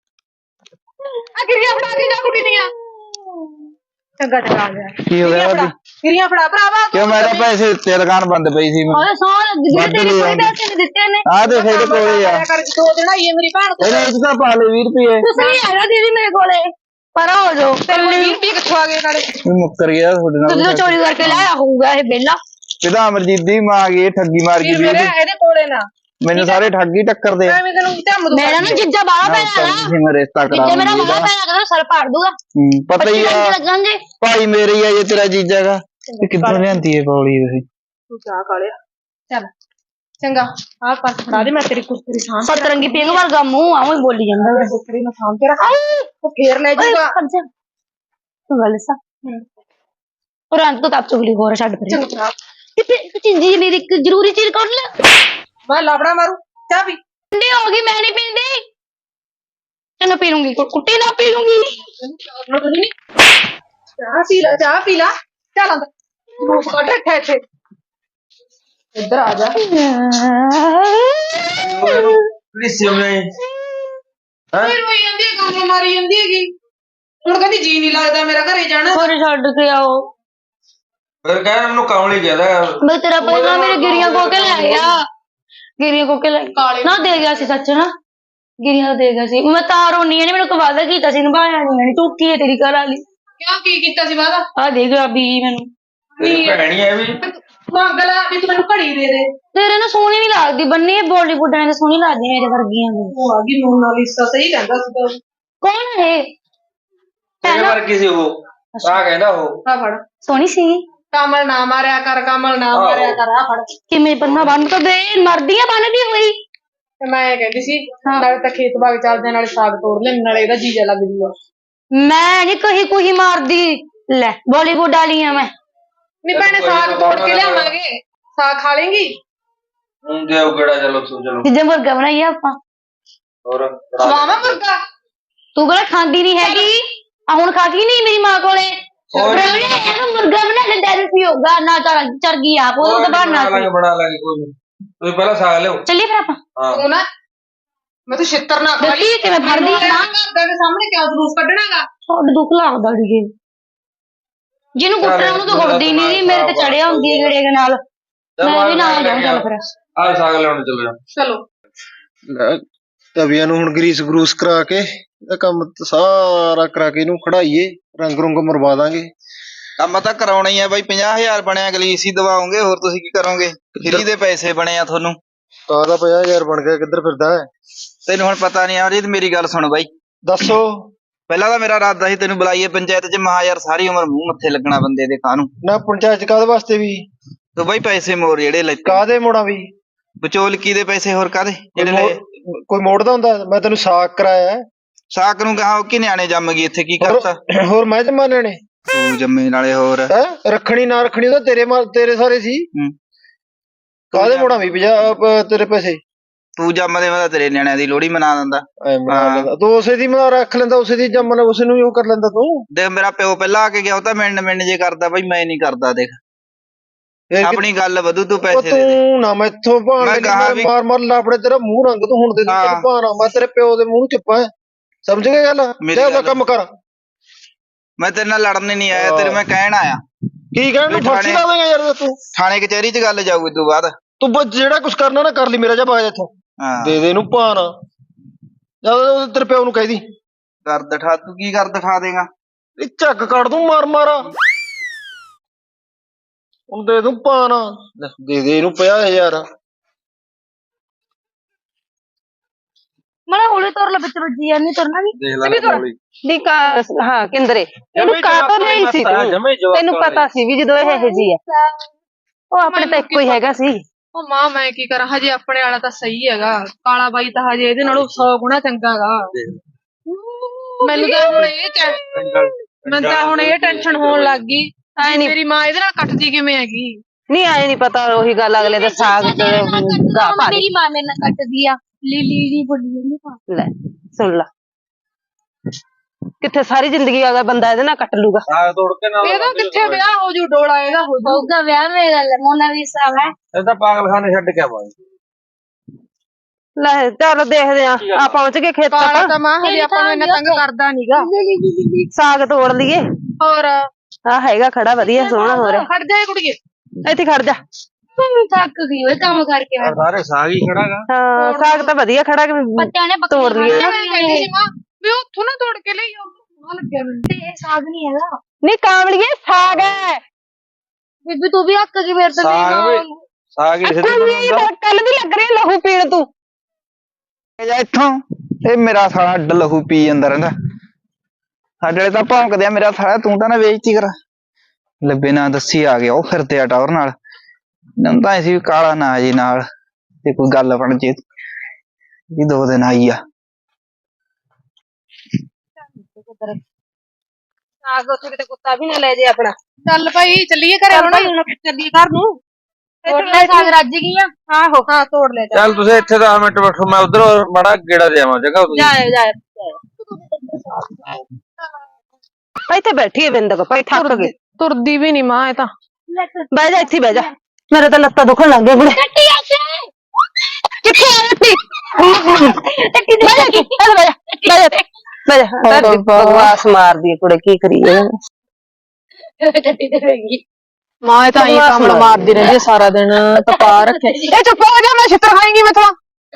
[SPEAKER 4] ਆ ਗਿਰੀਆਂ ਫੜਾ ਕੇ ਜਾ ਕੁੜੀ ਦੀਆਂ। ਚੰਗਾ ਚੰਗਾ ਆ ਗਿਆ।
[SPEAKER 1] ਕੀ ਹੋ ਗਿਆ ਭਾਬੀ?
[SPEAKER 4] ਗਿਰੀਆਂ ਫੜਾ ਭਰਾਵਾ।
[SPEAKER 1] ਕਿਉਂ? ਮੈਂ ਤਾਂ ਪੈਸੇ ਦਿੱਤੇ, ਦੁਕਾਨ ਬੰਦ ਪਈ ਸੀ। ਮੈਂ
[SPEAKER 2] ਓਏ ਸੌ ਲੱਗੀ ਜਿਹੜੇ ਤੇਰੇ ਕੋਈ ਪੈਸੇ ਨਹੀਂ ਦਿੱਤੇ ਨੇ।
[SPEAKER 1] ਆ ਦੇਖ ਇਹਦੇ ਕੋਲੇ ਆ।
[SPEAKER 4] ਦੋ ਦਿਨ ਆਈ ਹੈ ਮੇਰੀ ਭੈਣ ਕੋਲ।
[SPEAKER 1] ਇਹਨੇ ਇਸ ਦਾ ਪਾ ਲੈ ਵੀਹ ਰੁਪਏ।
[SPEAKER 2] ਤੁਸੀਂ ਹੈਗਾ ਦੀਦੀ ਮੇਰੇ ਕੋਲੇ, ਪਰ ਹੋ ਜਾਓ।
[SPEAKER 4] ਤੇਰੇ ਕੋਲ ਵੀਹ ਰੁਪਏ ਕਿੱਥੋਂ ਆ ਗਏ ਨਾਲੇ?
[SPEAKER 1] ਇਹ ਮੁੱਕਰ ਗਿਆ ਤੁਹਾਡੇ
[SPEAKER 2] ਤੁਸੀਂ ਤਾਂ
[SPEAKER 1] ਨਾਲ।
[SPEAKER 2] ਚੋਰੀ ਕਰਕੇ ਲਾਇਆ ਹੋਊਗਾ ਇਹ ਬੇਲਾ।
[SPEAKER 1] ਇਹਦਾ ਅਮਰਜੀਤ ਦੀ ਮਾਂ ਗਈ ਠੱਗੀ ਮਾਰ ਗਈ।
[SPEAKER 4] ਮੇਰੇ ਇਹਦੇ ਕੋਲੇ ਨਾ
[SPEAKER 1] ਮੈਨੂੰ ਸਾਰੇ ਠੱਗੀ ਟੱਕਰ ਦੇ।
[SPEAKER 4] ਐਵੇਂ ਤੈਨੂੰ ਧੰਮ ਦੂੰ।
[SPEAKER 2] ਮੇਰਾ ਨਾ ਜਿੱਜਾ ਬਾਹਲਾ ਪੈਣਾ ਨਾ,
[SPEAKER 1] ਮੈਂ ਰਿਸ਼ਤਾ ਕਰਾ
[SPEAKER 2] ਜਿੱਜਾ ਮੇਰਾ ਬਾਹਲਾ ਪੈਣਾ ਕਹਿੰਦਾ ਸਰ ਪਾੜ ਦੂਗਾ।
[SPEAKER 1] ਹੂੰ ਪਤਾ ਹੀ ਆ।
[SPEAKER 2] ਲੱਗਾਂਗੇ
[SPEAKER 1] ਭਾਈ ਮੇਰੇ ਹੀ ਆ ਜੇ ਤੇਰਾ ਜੀਜਾ ਗਾ। ਇਹ ਕਿੱਥੋਂ ਲਿਆਂਦੀ ਹੈ ਬੌਲੀ ਤੁਸੀਂ?
[SPEAKER 4] ਤੂੰ ਚਾਹ ਖਾ ਲਿਆ ਚੱਲ ਚੰਗਾ। ਆਹ ਪਰਸ ਫੜਾ ਦੇ, ਮੈਂ ਤੇਰੀ ਕੁਸਤਰੀ ਸਾਂਭ ਕੇ
[SPEAKER 2] ਸਤਰੰਗੀ ਪਿੰਗ ਵਰਗਾ ਮੂੰਹ ਆਉਂ ਹੀ ਬੋਲੀ ਜਾਂਦਾ।
[SPEAKER 4] ਰੱਖ। ਕੁਸਤਰੀ ਨੂੰ ਸਾਂਭ ਕੇ ਰੱਖ, ਉਹ ਫੇਰ ਲੈ ਜਾਊਗਾ।
[SPEAKER 2] ਤੂੰ ਗੱਲ ਸਾ और अंत तो आप चुगली हो रहा छड़ पर
[SPEAKER 4] ਚੰਗਾ
[SPEAKER 2] कितने चीज मेरी एक जरूरी चीज कर ले।
[SPEAKER 4] मैं लापड़ा मारू चाह पी।
[SPEAKER 2] ठंडी होगी, मैं नहीं पीती। मैं पी लूंगी, कुट्टी ना पी लूंगी।
[SPEAKER 4] चाह पी ला, चाह पी ला। चल अंदर मुंह कट रखा है इधर आ जा।
[SPEAKER 5] लिसियो में
[SPEAKER 4] फिर वही आंदी काम मारी आंदी हैगी। ਹੁਣ ਕਹਿੰਦੀ ਜੀ ਨਹੀਂ ਲੱਗਦਾ ਮੇਰਾ ਘਰੇ ਜਾਣਾ।
[SPEAKER 2] और छड़ के आओ
[SPEAKER 5] ਫਿਰ ਕਹਿ ਮੈਨੂੰ ਕਮਲੀ ਕਹਿੰਦਾ
[SPEAKER 2] ਮੈਂ ਤੇਰਾ ਪਹਿਲਾਂ ਮੇਰੇ ਗਿਰੀਆਂ ਕੋ ਕੇ ਲੈ ਗਿਆ ਗਿਰੀਆਂ ਕੋ ਕੇ ਲੈ ਨਾ ਦੇ ਗਿਆ ਸੀ ਸੱਚ ਨਾ ਗਿਰੀਆਂ ਦੇ ਗਿਆ ਸੀ ਮੈਂ ਤਾਂ ਰੋਣੀ ਨਹੀਂ ਮੈਨੂੰ ਵਾਅਦਾ ਕੀਤਾ ਸੀ ਨਿਭਾਇਆ ਨਹੀਂ ਝੂਠੀ ਹੈ ਤੇਰੀ ਘਰ ਵਾਲੀ
[SPEAKER 4] ਕਿਉਂ ਕੀ ਕੀਤਾ ਸੀ ਵਾਦਾ
[SPEAKER 2] ਆ ਦੇ ਗਿਆ ਵੀ ਮੈਨੂੰ
[SPEAKER 5] ਤੇਰੀ ਭੈਣ ਹੀ ਐ ਵੀ
[SPEAKER 4] ਮੰਗ ਲਾ ਵੀ ਤੂੰ ਮੈਨੂੰ ਘੜੀ ਦੇ ਦੇ
[SPEAKER 2] ਤੇਰੇ ਨੂੰ ਸੋਹਣੀ ਨਹੀਂ ਲੱਗਦੀ ਬੰਨੀ ਇਹ ਬਾਲੀਵੁੱਡ ਐ ਸੋਹਣੀ ਲੱਗਦੀ ਮੇਰੇ ਵਰਗੀਆਂ ਨੂੰ
[SPEAKER 4] ਉਹ ਆ ਗਈ ਮੋਨਾਲਿਸਾ ਸਹੀ ਕਹਿੰਦਾ ਸੀ ਤਾਂ
[SPEAKER 2] ਕੌਣ ਹੈ
[SPEAKER 5] ਤੇਰੇ ਵਰਗੀ ਸੀ ਉਹ ਆ ਕਹਿੰਦਾ ਉਹ
[SPEAKER 4] ਆ ਫੜ
[SPEAKER 2] ਸੋਹਣੀ ਸੀ
[SPEAKER 4] ਕਮਲ ਨਾ ਮਾਰਿਆ ਕਰ ਕਮਲ ਨਾ ਮਾਰਿਆ ਕਰ ਆ ਫੜ
[SPEAKER 2] ਕਿਵੇਂ ਬੰਨਾ ਬੰਨ ਤਾਂ ਦੇ ਮਰਦੀਆਂ ਬੰਨਦੀ ਹੋਈ
[SPEAKER 4] ਤੇ ਮੈਂ ਇਹ ਕਹਿੰਦੀ ਸੀ ਨਾਲੇ ਤਾਂ ਖੇਤ ਬਾਗ ਚੱਲਦੇ ਆ, ਨਾਲੇ ਸਾਗ ਤੋੜ ਲੈ ਨਾਲੇ ਇਹਦਾ ਜੀਜਾ ਲੱਗ ਜੂਗਾ
[SPEAKER 2] ਮੈਂ ਨਹੀਂ ਕਹੀ ਕੁਹੀ ਮਾਰਦੀ ਲੈ ਬਾਲੀਵੁੱਡ ਵਾਲੀ ਆ ਮੈਂ
[SPEAKER 4] ਨਹੀਂ ਭੈਣੇ ਸਾਗ ਤੋੜ ਕੇ ਲਿਆਵਾਂਗੇ ਸਾਗ ਖਾ ਲੇਂਗੀ
[SPEAKER 5] ਹੁਣ ਦੇ ਉਹ ਕਿਹੜਾ ਚਲੋ ਤੂੰ ਚਲੋ
[SPEAKER 2] ਜਿੱਦਾਂ ਮੁਰਗਾ ਬਣਾਈਆ ਆਪਾਂ
[SPEAKER 5] ਹੋਰ
[SPEAKER 4] ਖਵਾਵਾਂ ਮੁਰਗਾ
[SPEAKER 2] ਤੂੰ ਕਿਹੜਾ ਖਾਂਦੀ ਨਹੀਂ ਹੈਗੀ ਆ ਹੁਣ ਖਾ ਗਈ ਨਹੀਂ ਮੇਰੀ ਮਾਂ ਕੋਲੇ
[SPEAKER 5] ਹੋਰ
[SPEAKER 2] ਇਹਨੂੰ ਮੁਰਗਾ ਬਣਾ ਕੇ ਦੇ ਦਿੱਤੀ ਹੋਗਾ ਨਾ ਚੜ ਚੜ ਗਈ ਆਪ ਉਹ ਤਾਂ ਬਣਨਾ
[SPEAKER 5] ਬਣਾ ਲਾਂਗੇ ਬਣਾ ਲਾਂਗੇ ਕੋਈ ਨਹੀਂ ਤੁਸੀਂ ਪਹਿਲਾਂ ਸਾਗ ਲਿਓ
[SPEAKER 2] ਚੱਲੀਏ ਫਿਰ ਆਪਾਂ
[SPEAKER 5] ਹਾਂ
[SPEAKER 4] ਤੂੰ ਨਾ ਮੈਂ ਤਾਂ ਛਿੱਤਰ ਨਾ ਖਾ
[SPEAKER 2] ਦੇਖੀ ਕਿਵੇਂ ਫੜਦੀ ਆ ਨਾ
[SPEAKER 4] ਘਰ ਦੇ ਸਾਹਮਣੇ ਕਿਉਂ ਜਲੂਸ ਕੱਢਣਾਗਾ
[SPEAKER 2] ਛੋੜ ਦੁੱਖ ਲੱਗਦਾ ਢੀਏ ਜਿਹਨੂੰ ਕੁੱਟਣਾ ਉਹਨੂੰ ਤਾਂ ਕੁੱਟਦੀ ਨਹੀਂ ਮੇਰੇ ਤੇ ਚੜਿਆ ਹੁੰਦੀ ਹੈ ਗੇੜੇ ਦੇ ਨਾਲ ਮੈਂ ਵੀ ਨਾਲ ਜਾਉਂ ਚੱਲ ਫਿਰ
[SPEAKER 5] ਆ ਸਾਗ ਲਿਆਉਣ ਚੱਲ ਜਾ
[SPEAKER 4] ਚਲੋ
[SPEAKER 1] ਤਵੀਆਂ ਨੂੰ ਹੁਣ ਗਰੀਸ ਗਰੂਸ ਕਰਾ ਕੇ ਇਹਦਾ ਕੰਮ ਤਾਂ ਸਾਰਾ ਕਰਾ ਕੇ ਇਹਨੂੰ ਖੜਾਈਏ ਰੰਗ ਰੁੰਗ ਮਰਵਾ ਦਾਂਗੇ
[SPEAKER 6] ਕੰਮ ਤਾਂ ਕਰਾਉਣਾ ਹੀ ਆ ਬਾਈ ਪੰਜਾਹ ਹਜ਼ਾਰ ਬਣਿਆ ਗਲੀਸ ਹੀ ਦਵਾਓਗੇ ਹੋਰ ਤੁਸੀਂ ਕੀ ਕਰੋਗੇ ਫਰੀ ਦੇ ਪੈਸੇ ਬਣੇ ਆ ਤੁਹਾਨੂੰ
[SPEAKER 1] ਕਾਹਦਾ ਪੰਜਾਹ ਹਜ਼ਾਰ ਬਣ ਗਿਆ ਕਿੱਧਰ ਫਿਰਦਾ ਹੈ
[SPEAKER 6] ਤੈਨੂੰ ਹੁਣ ਪਤਾ ਨਹੀਂ ਆ ਜੀ ਮੇਰੀ ਗੱਲ ਸੁਣ ਬਾਈ
[SPEAKER 1] ਦੱਸੋ
[SPEAKER 6] ਪਹਿਲਾਂ ਤਾਂ ਮੇਰਾ ਇਰਾਦਾ ਸੀ ਤੈਨੂੰ ਬੁਲਾਈਏ ਪੰਚਾਇਤ ਚ ਮਹਾ ਯਾਰ ਸਾਰੀ ਉਮਰ ਮੂੰਹ ਮੱਥੇ ਲੱਗਣਾ ਬੰਦੇ ਦੇ ਕਾਹਨੂੰ
[SPEAKER 1] ਨਾ ਪੰਚਾਇਤ ਕਾਹਦੇ ਵਾਸਤੇ ਵੀ
[SPEAKER 6] ਤੂੰ ਬਾਈ ਪੈਸੇ ਮੋੜ ਜਿਹੜੇ ਲੈ
[SPEAKER 1] ਕਾਹਦੇ ਮੋੜਾਂ ਵੀ
[SPEAKER 6] ਵਿਚੋਲਕੀ ਦੇ ਪੈਸੇ ਹੋਰ ਕਾਹਦੇ ਜਿਹੜੇ
[SPEAKER 1] ਕੋਈ
[SPEAKER 6] ਲਏ
[SPEAKER 1] ਮੋੜ- ਕੋਈ ਮੋੜਦਾ ਹੁੰਦਾ ਮੈਂ ਤੈਨੂੰ ਸਾਕ ਕਰਾਇਆ ਹੈ।
[SPEAKER 6] ਸਾਕ ਨੂੰ ਕਹਾ ਕਿ ਨਿਆਣੇ ਜੰਮ ਗਈ ਇੱਥੇ ਕੀ
[SPEAKER 1] ਹੋਰ-
[SPEAKER 6] ਕਰਤਾ
[SPEAKER 1] ਹੋਰ ਮੈਂ ਜਮਾਨੇ ਨੇ
[SPEAKER 6] ਤੂੰ ਜੰਮੇ ਨਾਲੇ ਹੋਰ
[SPEAKER 1] ਹੈ ਰੱਖਣੀ ਨਾ ਰੱਖਣੀ ਤਾਂ ਤੇਰੇ ਮਾ- ਤੇਰੇ ਸਾਰੇ ਸੀ
[SPEAKER 6] ਹੂੰ।
[SPEAKER 1] ਕਾਹਦੇ ਮੋੜਾਂ ਵੀ ਪੰਜਾਹ ਅਹ ਤੇਰੇ ਪੈਸੇ
[SPEAKER 6] ਤੂੰ ਜੰਮਦੇ ਮੈਂ ਤਾਂ ਤੇਰੇ ਨਿਆਣਿਆਂ ਦੀ ਲੋਹੜੀ ਮਨਾ ਦਿੰਦਾ
[SPEAKER 1] ਐ ਬਣਾ
[SPEAKER 6] ਹਾਂ।
[SPEAKER 1] ਲੈਂਦਾ ਤੂੰ ਉਸੇ ਦੀ ਮਨਾ ਰੱਖ ਲੈਂਦਾ ਉਸੇ ਦੀ ਜੰਮਨ ਉਸੇ ਨੂੰ ਹੀ ਉਹ ਕਰ ਲੈਂਦਾ ਤੂੰ
[SPEAKER 6] ਦੇਖ ਮੇਰਾ ਪਿਓ ਪਹਿਲਾਂ ਆ ਕੇ ਗਿਆ ਉਹ ਤਾਂ ਮਿੰਨ ਮਿੰਨ ਜੇ ਕਰਦਾ ਬਾਈ ਮੈਂ ਨਹੀਂ ਕਰਦਾ ਦੇਖ
[SPEAKER 1] ਇਹ ਕਿ-
[SPEAKER 6] ਆਪਣੀ ਗੱਲ ਵਧੂ ਤੂੰ
[SPEAKER 1] ਉਹ
[SPEAKER 6] ਪੈਸੇ ਦੇ ਦੇ
[SPEAKER 1] ਤੂੰ ਨਾ ਮੈਥੋਂ ਭਾਣ
[SPEAKER 6] ਮੈਂ
[SPEAKER 1] ਲੱਗੀ,
[SPEAKER 6] ਕਹਾ
[SPEAKER 1] ਮੈਂ
[SPEAKER 6] ਵੀ-
[SPEAKER 1] ਮਾਰ ਮਾਰ ਲਾਪੜੇ ਤੇਰਾ ਮੂੰਹ ਰੰਗ ਤੂੰ ਹੁਣ ਦੇ ਦੂੰ
[SPEAKER 6] ਹਾਂ।
[SPEAKER 1] ਤੈਨੂੰ ਭਾਣਾ ਮੈਂ ਤੇਰੇ ਪਿਓ ਦੇ ਮੂੰਹ ਨੂੰ ਚੁੱਪਾ ਹੈ ਸਮਝ ਗਿਆ ਗੱਲ
[SPEAKER 6] ਮੇਰੀ
[SPEAKER 1] ਜਾ ਉਹਦਾ
[SPEAKER 6] ਗੱਲ-
[SPEAKER 1] ਕੰਮ ਕਰ
[SPEAKER 6] ਮੈਂ ਤੇਰੇ ਨਾਲ ਲੜਨ ਨਹੀਂ ਆਇਆ ਤੇਰੇ ਮੈਂ ਕਹਿਣ ਆਇਆ
[SPEAKER 1] ਕੀ ਕਹਿਣ ਨੂੰ
[SPEAKER 6] ਵੀ
[SPEAKER 1] ਫਾਂਸੀ
[SPEAKER 6] ਥਾਣੇ-
[SPEAKER 1] ਲਾ ਦੇਗਾ ਯਾਰ ਤੂੰ
[SPEAKER 6] ਥਾਣੇ ਕਚਹਿਰੀ 'ਚ ਗੱਲ ਜਾਊਗੀ ਤੂੰ ਬਾਅਦ
[SPEAKER 1] ਤੂੰ ਬਸ ਜਿਹੜਾ ਕੁਝ ਕਰਨਾ ਨਾ ਕਰ ਲਈ ਮੇਰਾ ਜਾ ਬਾਜ ਇੱਥੋਂ
[SPEAKER 6] ਹਾਂ
[SPEAKER 1] ਦੇ ਦੇ ਇਹਨੂੰ ਭਾਣਾ ਜਾ ਉਹਦੇ ਤੇਰੇ ਪਿਓ ਨੂੰ ਕਹਿ ਦੀ
[SPEAKER 6] ਕਰ ਦਿਖਾ ਤੂੰ ਕੀ ਕਰ ਦਿਖਾ ਦੇਗਾ
[SPEAKER 1] ਇਹ ਝੱਕ ਕੱਢ ਦੂੰ ਮਾਰ ਮਾਰਾ ਹੁਣ ਦੇ ਦੂੰ ਭਾਣਾ ਲੈ, ਦੇ ਦੇ ਇਹਨੂੰ ਪੰਜਾਹ ਹਜ਼ਾਰ
[SPEAKER 2] ਮੜਾ ਹੌਲੀ ਤੁਰ ਲੈ ਵਿੱਚ ਵੱਜੀ ਜਾਂਦੀ ਤੁਰਨਾ ਨਹੀਂ
[SPEAKER 5] ਦੇਖ ਲੈ ਕਮਲੀ
[SPEAKER 2] ਦੀ ਕਾ ਹਾਂ ਕਿੰਦਰੇ ਇਹਨੂੰ ਕਾਹਤੋਂ ਨਹੀਂ ਸੀ ਤੂੰ ਤੈਨੂੰ ਪਤਾ ਸੀ ਵੀ ਜਦੋਂ ਇਹ ਇਹ ਜੀ ਹੈ ਉਹ ਆਪਣੇ ਤਾਂ ਇੱਕੋ ਹੀ ਹੈਗਾ ਸੀ
[SPEAKER 4] ਉਹ ਮਾਂ ਮੈਂ ਕੀ ਕਰਾਂ ਹਜੇ ਆਪਣੇ ਵਾਲਾ ਤਾਂ ਸਹੀ ਹੈਗਾ ਕਾਲਾ ਬਾਈ ਤਾਂ ਹਜੇ ਇਹਦੇ ਨਾਲੋਂ ਸੌ ਗੁਣਾ ਚੰਗਾਗਾ ਮੈਨੂੰ ਤਾਂ ਹੁਣ ਇਹ ਟੈ- ਮੈਨੂੰ ਤਾਂ ਹੁਣ ਇਹ ਟੈਨਸ਼ਨ ਹੋਣ ਲੱਗ ਗਈ
[SPEAKER 2] ਐ ਨਹੀਂ
[SPEAKER 4] ਮੇਰੀ ਮਾਂ ਇਹਦੇ ਨਾਲ ਕੱਟਦੀ ਕਿਵੇਂ ਹੈਗੀ
[SPEAKER 2] ਨਹੀਂ ਆਏ ਨਹੀਂ ਪਤਾ ਉਹੀ ਗੱਲ ਅਗਲੇ ਦਾ ਸਾਗ ਤੇ ਗਾ ਭਾਰੀ
[SPEAKER 7] ਮੇਰੀ ਮਾਂ ਮੇਰੇ ਨਾਲ ਕੱਟਦੀ ਆ ਲੀਲੀ ਦੀ ਬੋਲੀ ਨਹੀਂ
[SPEAKER 2] ਲੈ ਸੁਣ ਲਾ ਕਿੱਥੇ ਸਾਰੀ ਜ਼ਿੰਦਗੀ ਅਗਰ ਬੰਦਾ ਇਹਦੇ ਨਾਲ ਕੱਟ ਲੂਗਾ
[SPEAKER 5] ਸਾਗ ਤੋੜ ਕੇ ਨਾਲ
[SPEAKER 4] ਇਹਦਾ ਕਿੱਥੇ ਵਿਆਹ ਹੋ ਜੂ ਡੋਲਾ ਇਹਦਾ ਹੋ ਜੂ
[SPEAKER 7] ਹੋਊਗਾ ਵਿਆਹ ਮੇਰੇ ਨਾਲ ਮੋਨਾਲਿਸਾ ਹੈ
[SPEAKER 5] ਇਹ ਤਾਂ ਪਾਗਲਖਾਨੇ ਛੱਡ ਕੇ ਆਵਾਂਗੇ
[SPEAKER 2] ਲੈ ਚੱਲ ਦੇਖਦੇ ਆ ਆ ਪਹੁੰਚ ਗਏ ਖੇਤ
[SPEAKER 4] ਕਾਲਾ
[SPEAKER 2] ਤੱਕ
[SPEAKER 4] ਤਾਂ ਮਾਂ ਹਜੇ ਆਪਾਂ ਨੂੰ ਇੰਨਾ ਤੰਗ ਕਰਦਾ ਨੀਗਾ
[SPEAKER 2] ਸਾਗ ਤੋੜ ਲਈਏ
[SPEAKER 4] ਹੋਰ
[SPEAKER 2] ਆ ਹੈਗਾ ਖੜਾ ਵਧੀਆ ਸੋਹਣਾ ਹੋ ਰਿਹਾ
[SPEAKER 4] ਖੜ ਜਾਏ ਕੁੜੀਏ
[SPEAKER 2] ਇੱਥੇ ਖੜ ਜਾ
[SPEAKER 7] ਤੂੰ ਥੱਕ ਗਈ ਓਏ ਕੰਮ ਕਰਕੇ
[SPEAKER 5] ਆਹ ਸਾਰੇ ਸਾਗ ਹੀ ਖੜਾਗਾ
[SPEAKER 2] ਹਾਂ ਸਾਗ ਤਾਂ ਵਧੀਆ ਖੜਾ ਕਿ
[SPEAKER 7] ਪੱਤਿਆਂ ਨੇ
[SPEAKER 2] ਤੋੜ ਲਈਏ
[SPEAKER 4] ਮੈਂ ਕਹਿੰਦੀ ਸੀ ਮਾਂ ਵੀ ਉੱਥੋਂ ਨਾ ਤੋੜ ਕੇ ਲਈ ਉਹ ਲੱਗਿਆ ਮੈਨੂੰ
[SPEAKER 7] ਤੇ ਇਹ ਸਾਗ ਨਹੀਂ ਹੈਗਾ
[SPEAKER 2] ਨਹੀਂ ਕਾਂਵਲੀਏ ਸਾਗ ਹੈ
[SPEAKER 7] ਬੀਬੀ ਤੂੰ ਵੀ ਹੱਕ ਗਈ ਮੇਰੇ ਤੋਂ
[SPEAKER 5] ਸਾਗ ਵੀ ਸਾਗ ਹੀ ਸਿੱਧੀ ਬਣਾਉਂਦਾ
[SPEAKER 2] ਕੱਲ ਦੀ ਲੱਗ ਰਹੀ ਲਹੂ ਪੀਣ ਤੂੰ
[SPEAKER 6] ਜਾ ਇੱਥੋਂ ਇਹ ਮੇਰਾ ਸਾਲਾ ਅੱਡ ਲਹੂ ਪੀ ਜਾਂਦਾ ਰਹਿੰਦਾ ਸਾਡੇ ਵਾਲੇ ਤਾਂ ਭੌਂਕਦੇ ਆ ਮੇਰਾ ਸਾਲਾ ਤੂੰ ਤਾਂ ਨਾ ਵੇਚਤੀ ਕਰ ਲੱਭੇ ਨਾ ਦੱਸੀ ਆ ਗਿਆ ਉਹ ਫਿਰਦੇ ਆ ਟਾਵਰ ਨਾਲ ਇਹਨਾਂ ਨੂੰ ਤਾਂ ਐਸੀ ਵੀ ਕਾਲਾ ਨਾ ਜੀ ਨਾਲ ਤੇ ਕੋਈ ਗੱਲ ਬਣ ਜੇ ਵੀ ਦੋ ਦਿਨ ਆਈ ਆ
[SPEAKER 2] ਸਾਗ ਉੱਥੇ ਕਿਤੇ ਕੁੱਤਾ ਵੀ ਨਾ ਲੈ ਜੇ ਆਪਣਾ
[SPEAKER 4] ਚੱਲ ਭਾਈ ਚੱਲੀਏ ਘਰੇ ਹੁਣ
[SPEAKER 2] ਚੱਲੀਏ ਘਰ ਨੂੰ
[SPEAKER 7] ਤੋੜ ਲੈ ਸਾਗ ਰੱਜ ਗਈ ਆ
[SPEAKER 4] ਆਹੋ ਹਾਂ ਤੋੜ ਲੈ ਜਾ
[SPEAKER 5] ਚੱਲ ਤੁਸੀਂ ਇੱਥੇ ਦਸ ਮਿੰਟ ਬੈਠੋ ਮੈਂ ਉਧਰ ਬੜਾ ਗੇੜਾ ਦੇਵਾਂ ਜਗ੍ਹਾ ਤੁਸੀਂ
[SPEAKER 2] ਜਾਏ ਜਾਏ ਇੱਥੇ ਬੈਠੀ ਹੈ ਬਿੰਦਕ ਭਾਈ ਥੱਕ ਗਈ
[SPEAKER 4] ਤੁਰਦੀ ਵੀ ਨਹੀਂ ਮਾਂ ਇਹ ਤਾਂ
[SPEAKER 2] ਬਹਿ ਜਾ ਇੱਥੇ ਬਹਿ ਜਾ ਮੇਰੇ ਤਾਂ ਲੱਤਾਂ ਦੁਖਣ ਲੱਗ ਗਏ ਬੁੜੇ
[SPEAKER 7] ਕੱਟੀ ਆ
[SPEAKER 2] ਕਿੱਥੇ ਆ ਰੱਤੀ
[SPEAKER 7] ਕੱਟੀ ਦੇ
[SPEAKER 2] ਬਹਿ ਜਾ ਇੱਥੇ, ਬਹਿ ਜਾ ਬਹਿ ਜਾ ਬਹਿ ਜਾ ਬਕਵਾਸ ਮਾਰਦੀ ਹੈ ਕੁੜੇ ਕੀ ਕਰੀਏ
[SPEAKER 7] ਕੱਟੀ ਦੇ ਰਹੀ
[SPEAKER 4] ਮਾਂ ਇਹ ਤਾਂ ਹੀ ਕਮਲ ਮਾਰਦੀ ਰਹਿੰਦੀ ਹੈ ਸਾਰਾ ਦਿਨ ਤਪਾ ਰੱਖਿਆ। ਇਹ ਚੁੱਪ ਹੋ ਜਾ, ਮੈਂ ਛਿੱਤਰ ਖਾਏਂਗੀ ਮੈਥੋਂ।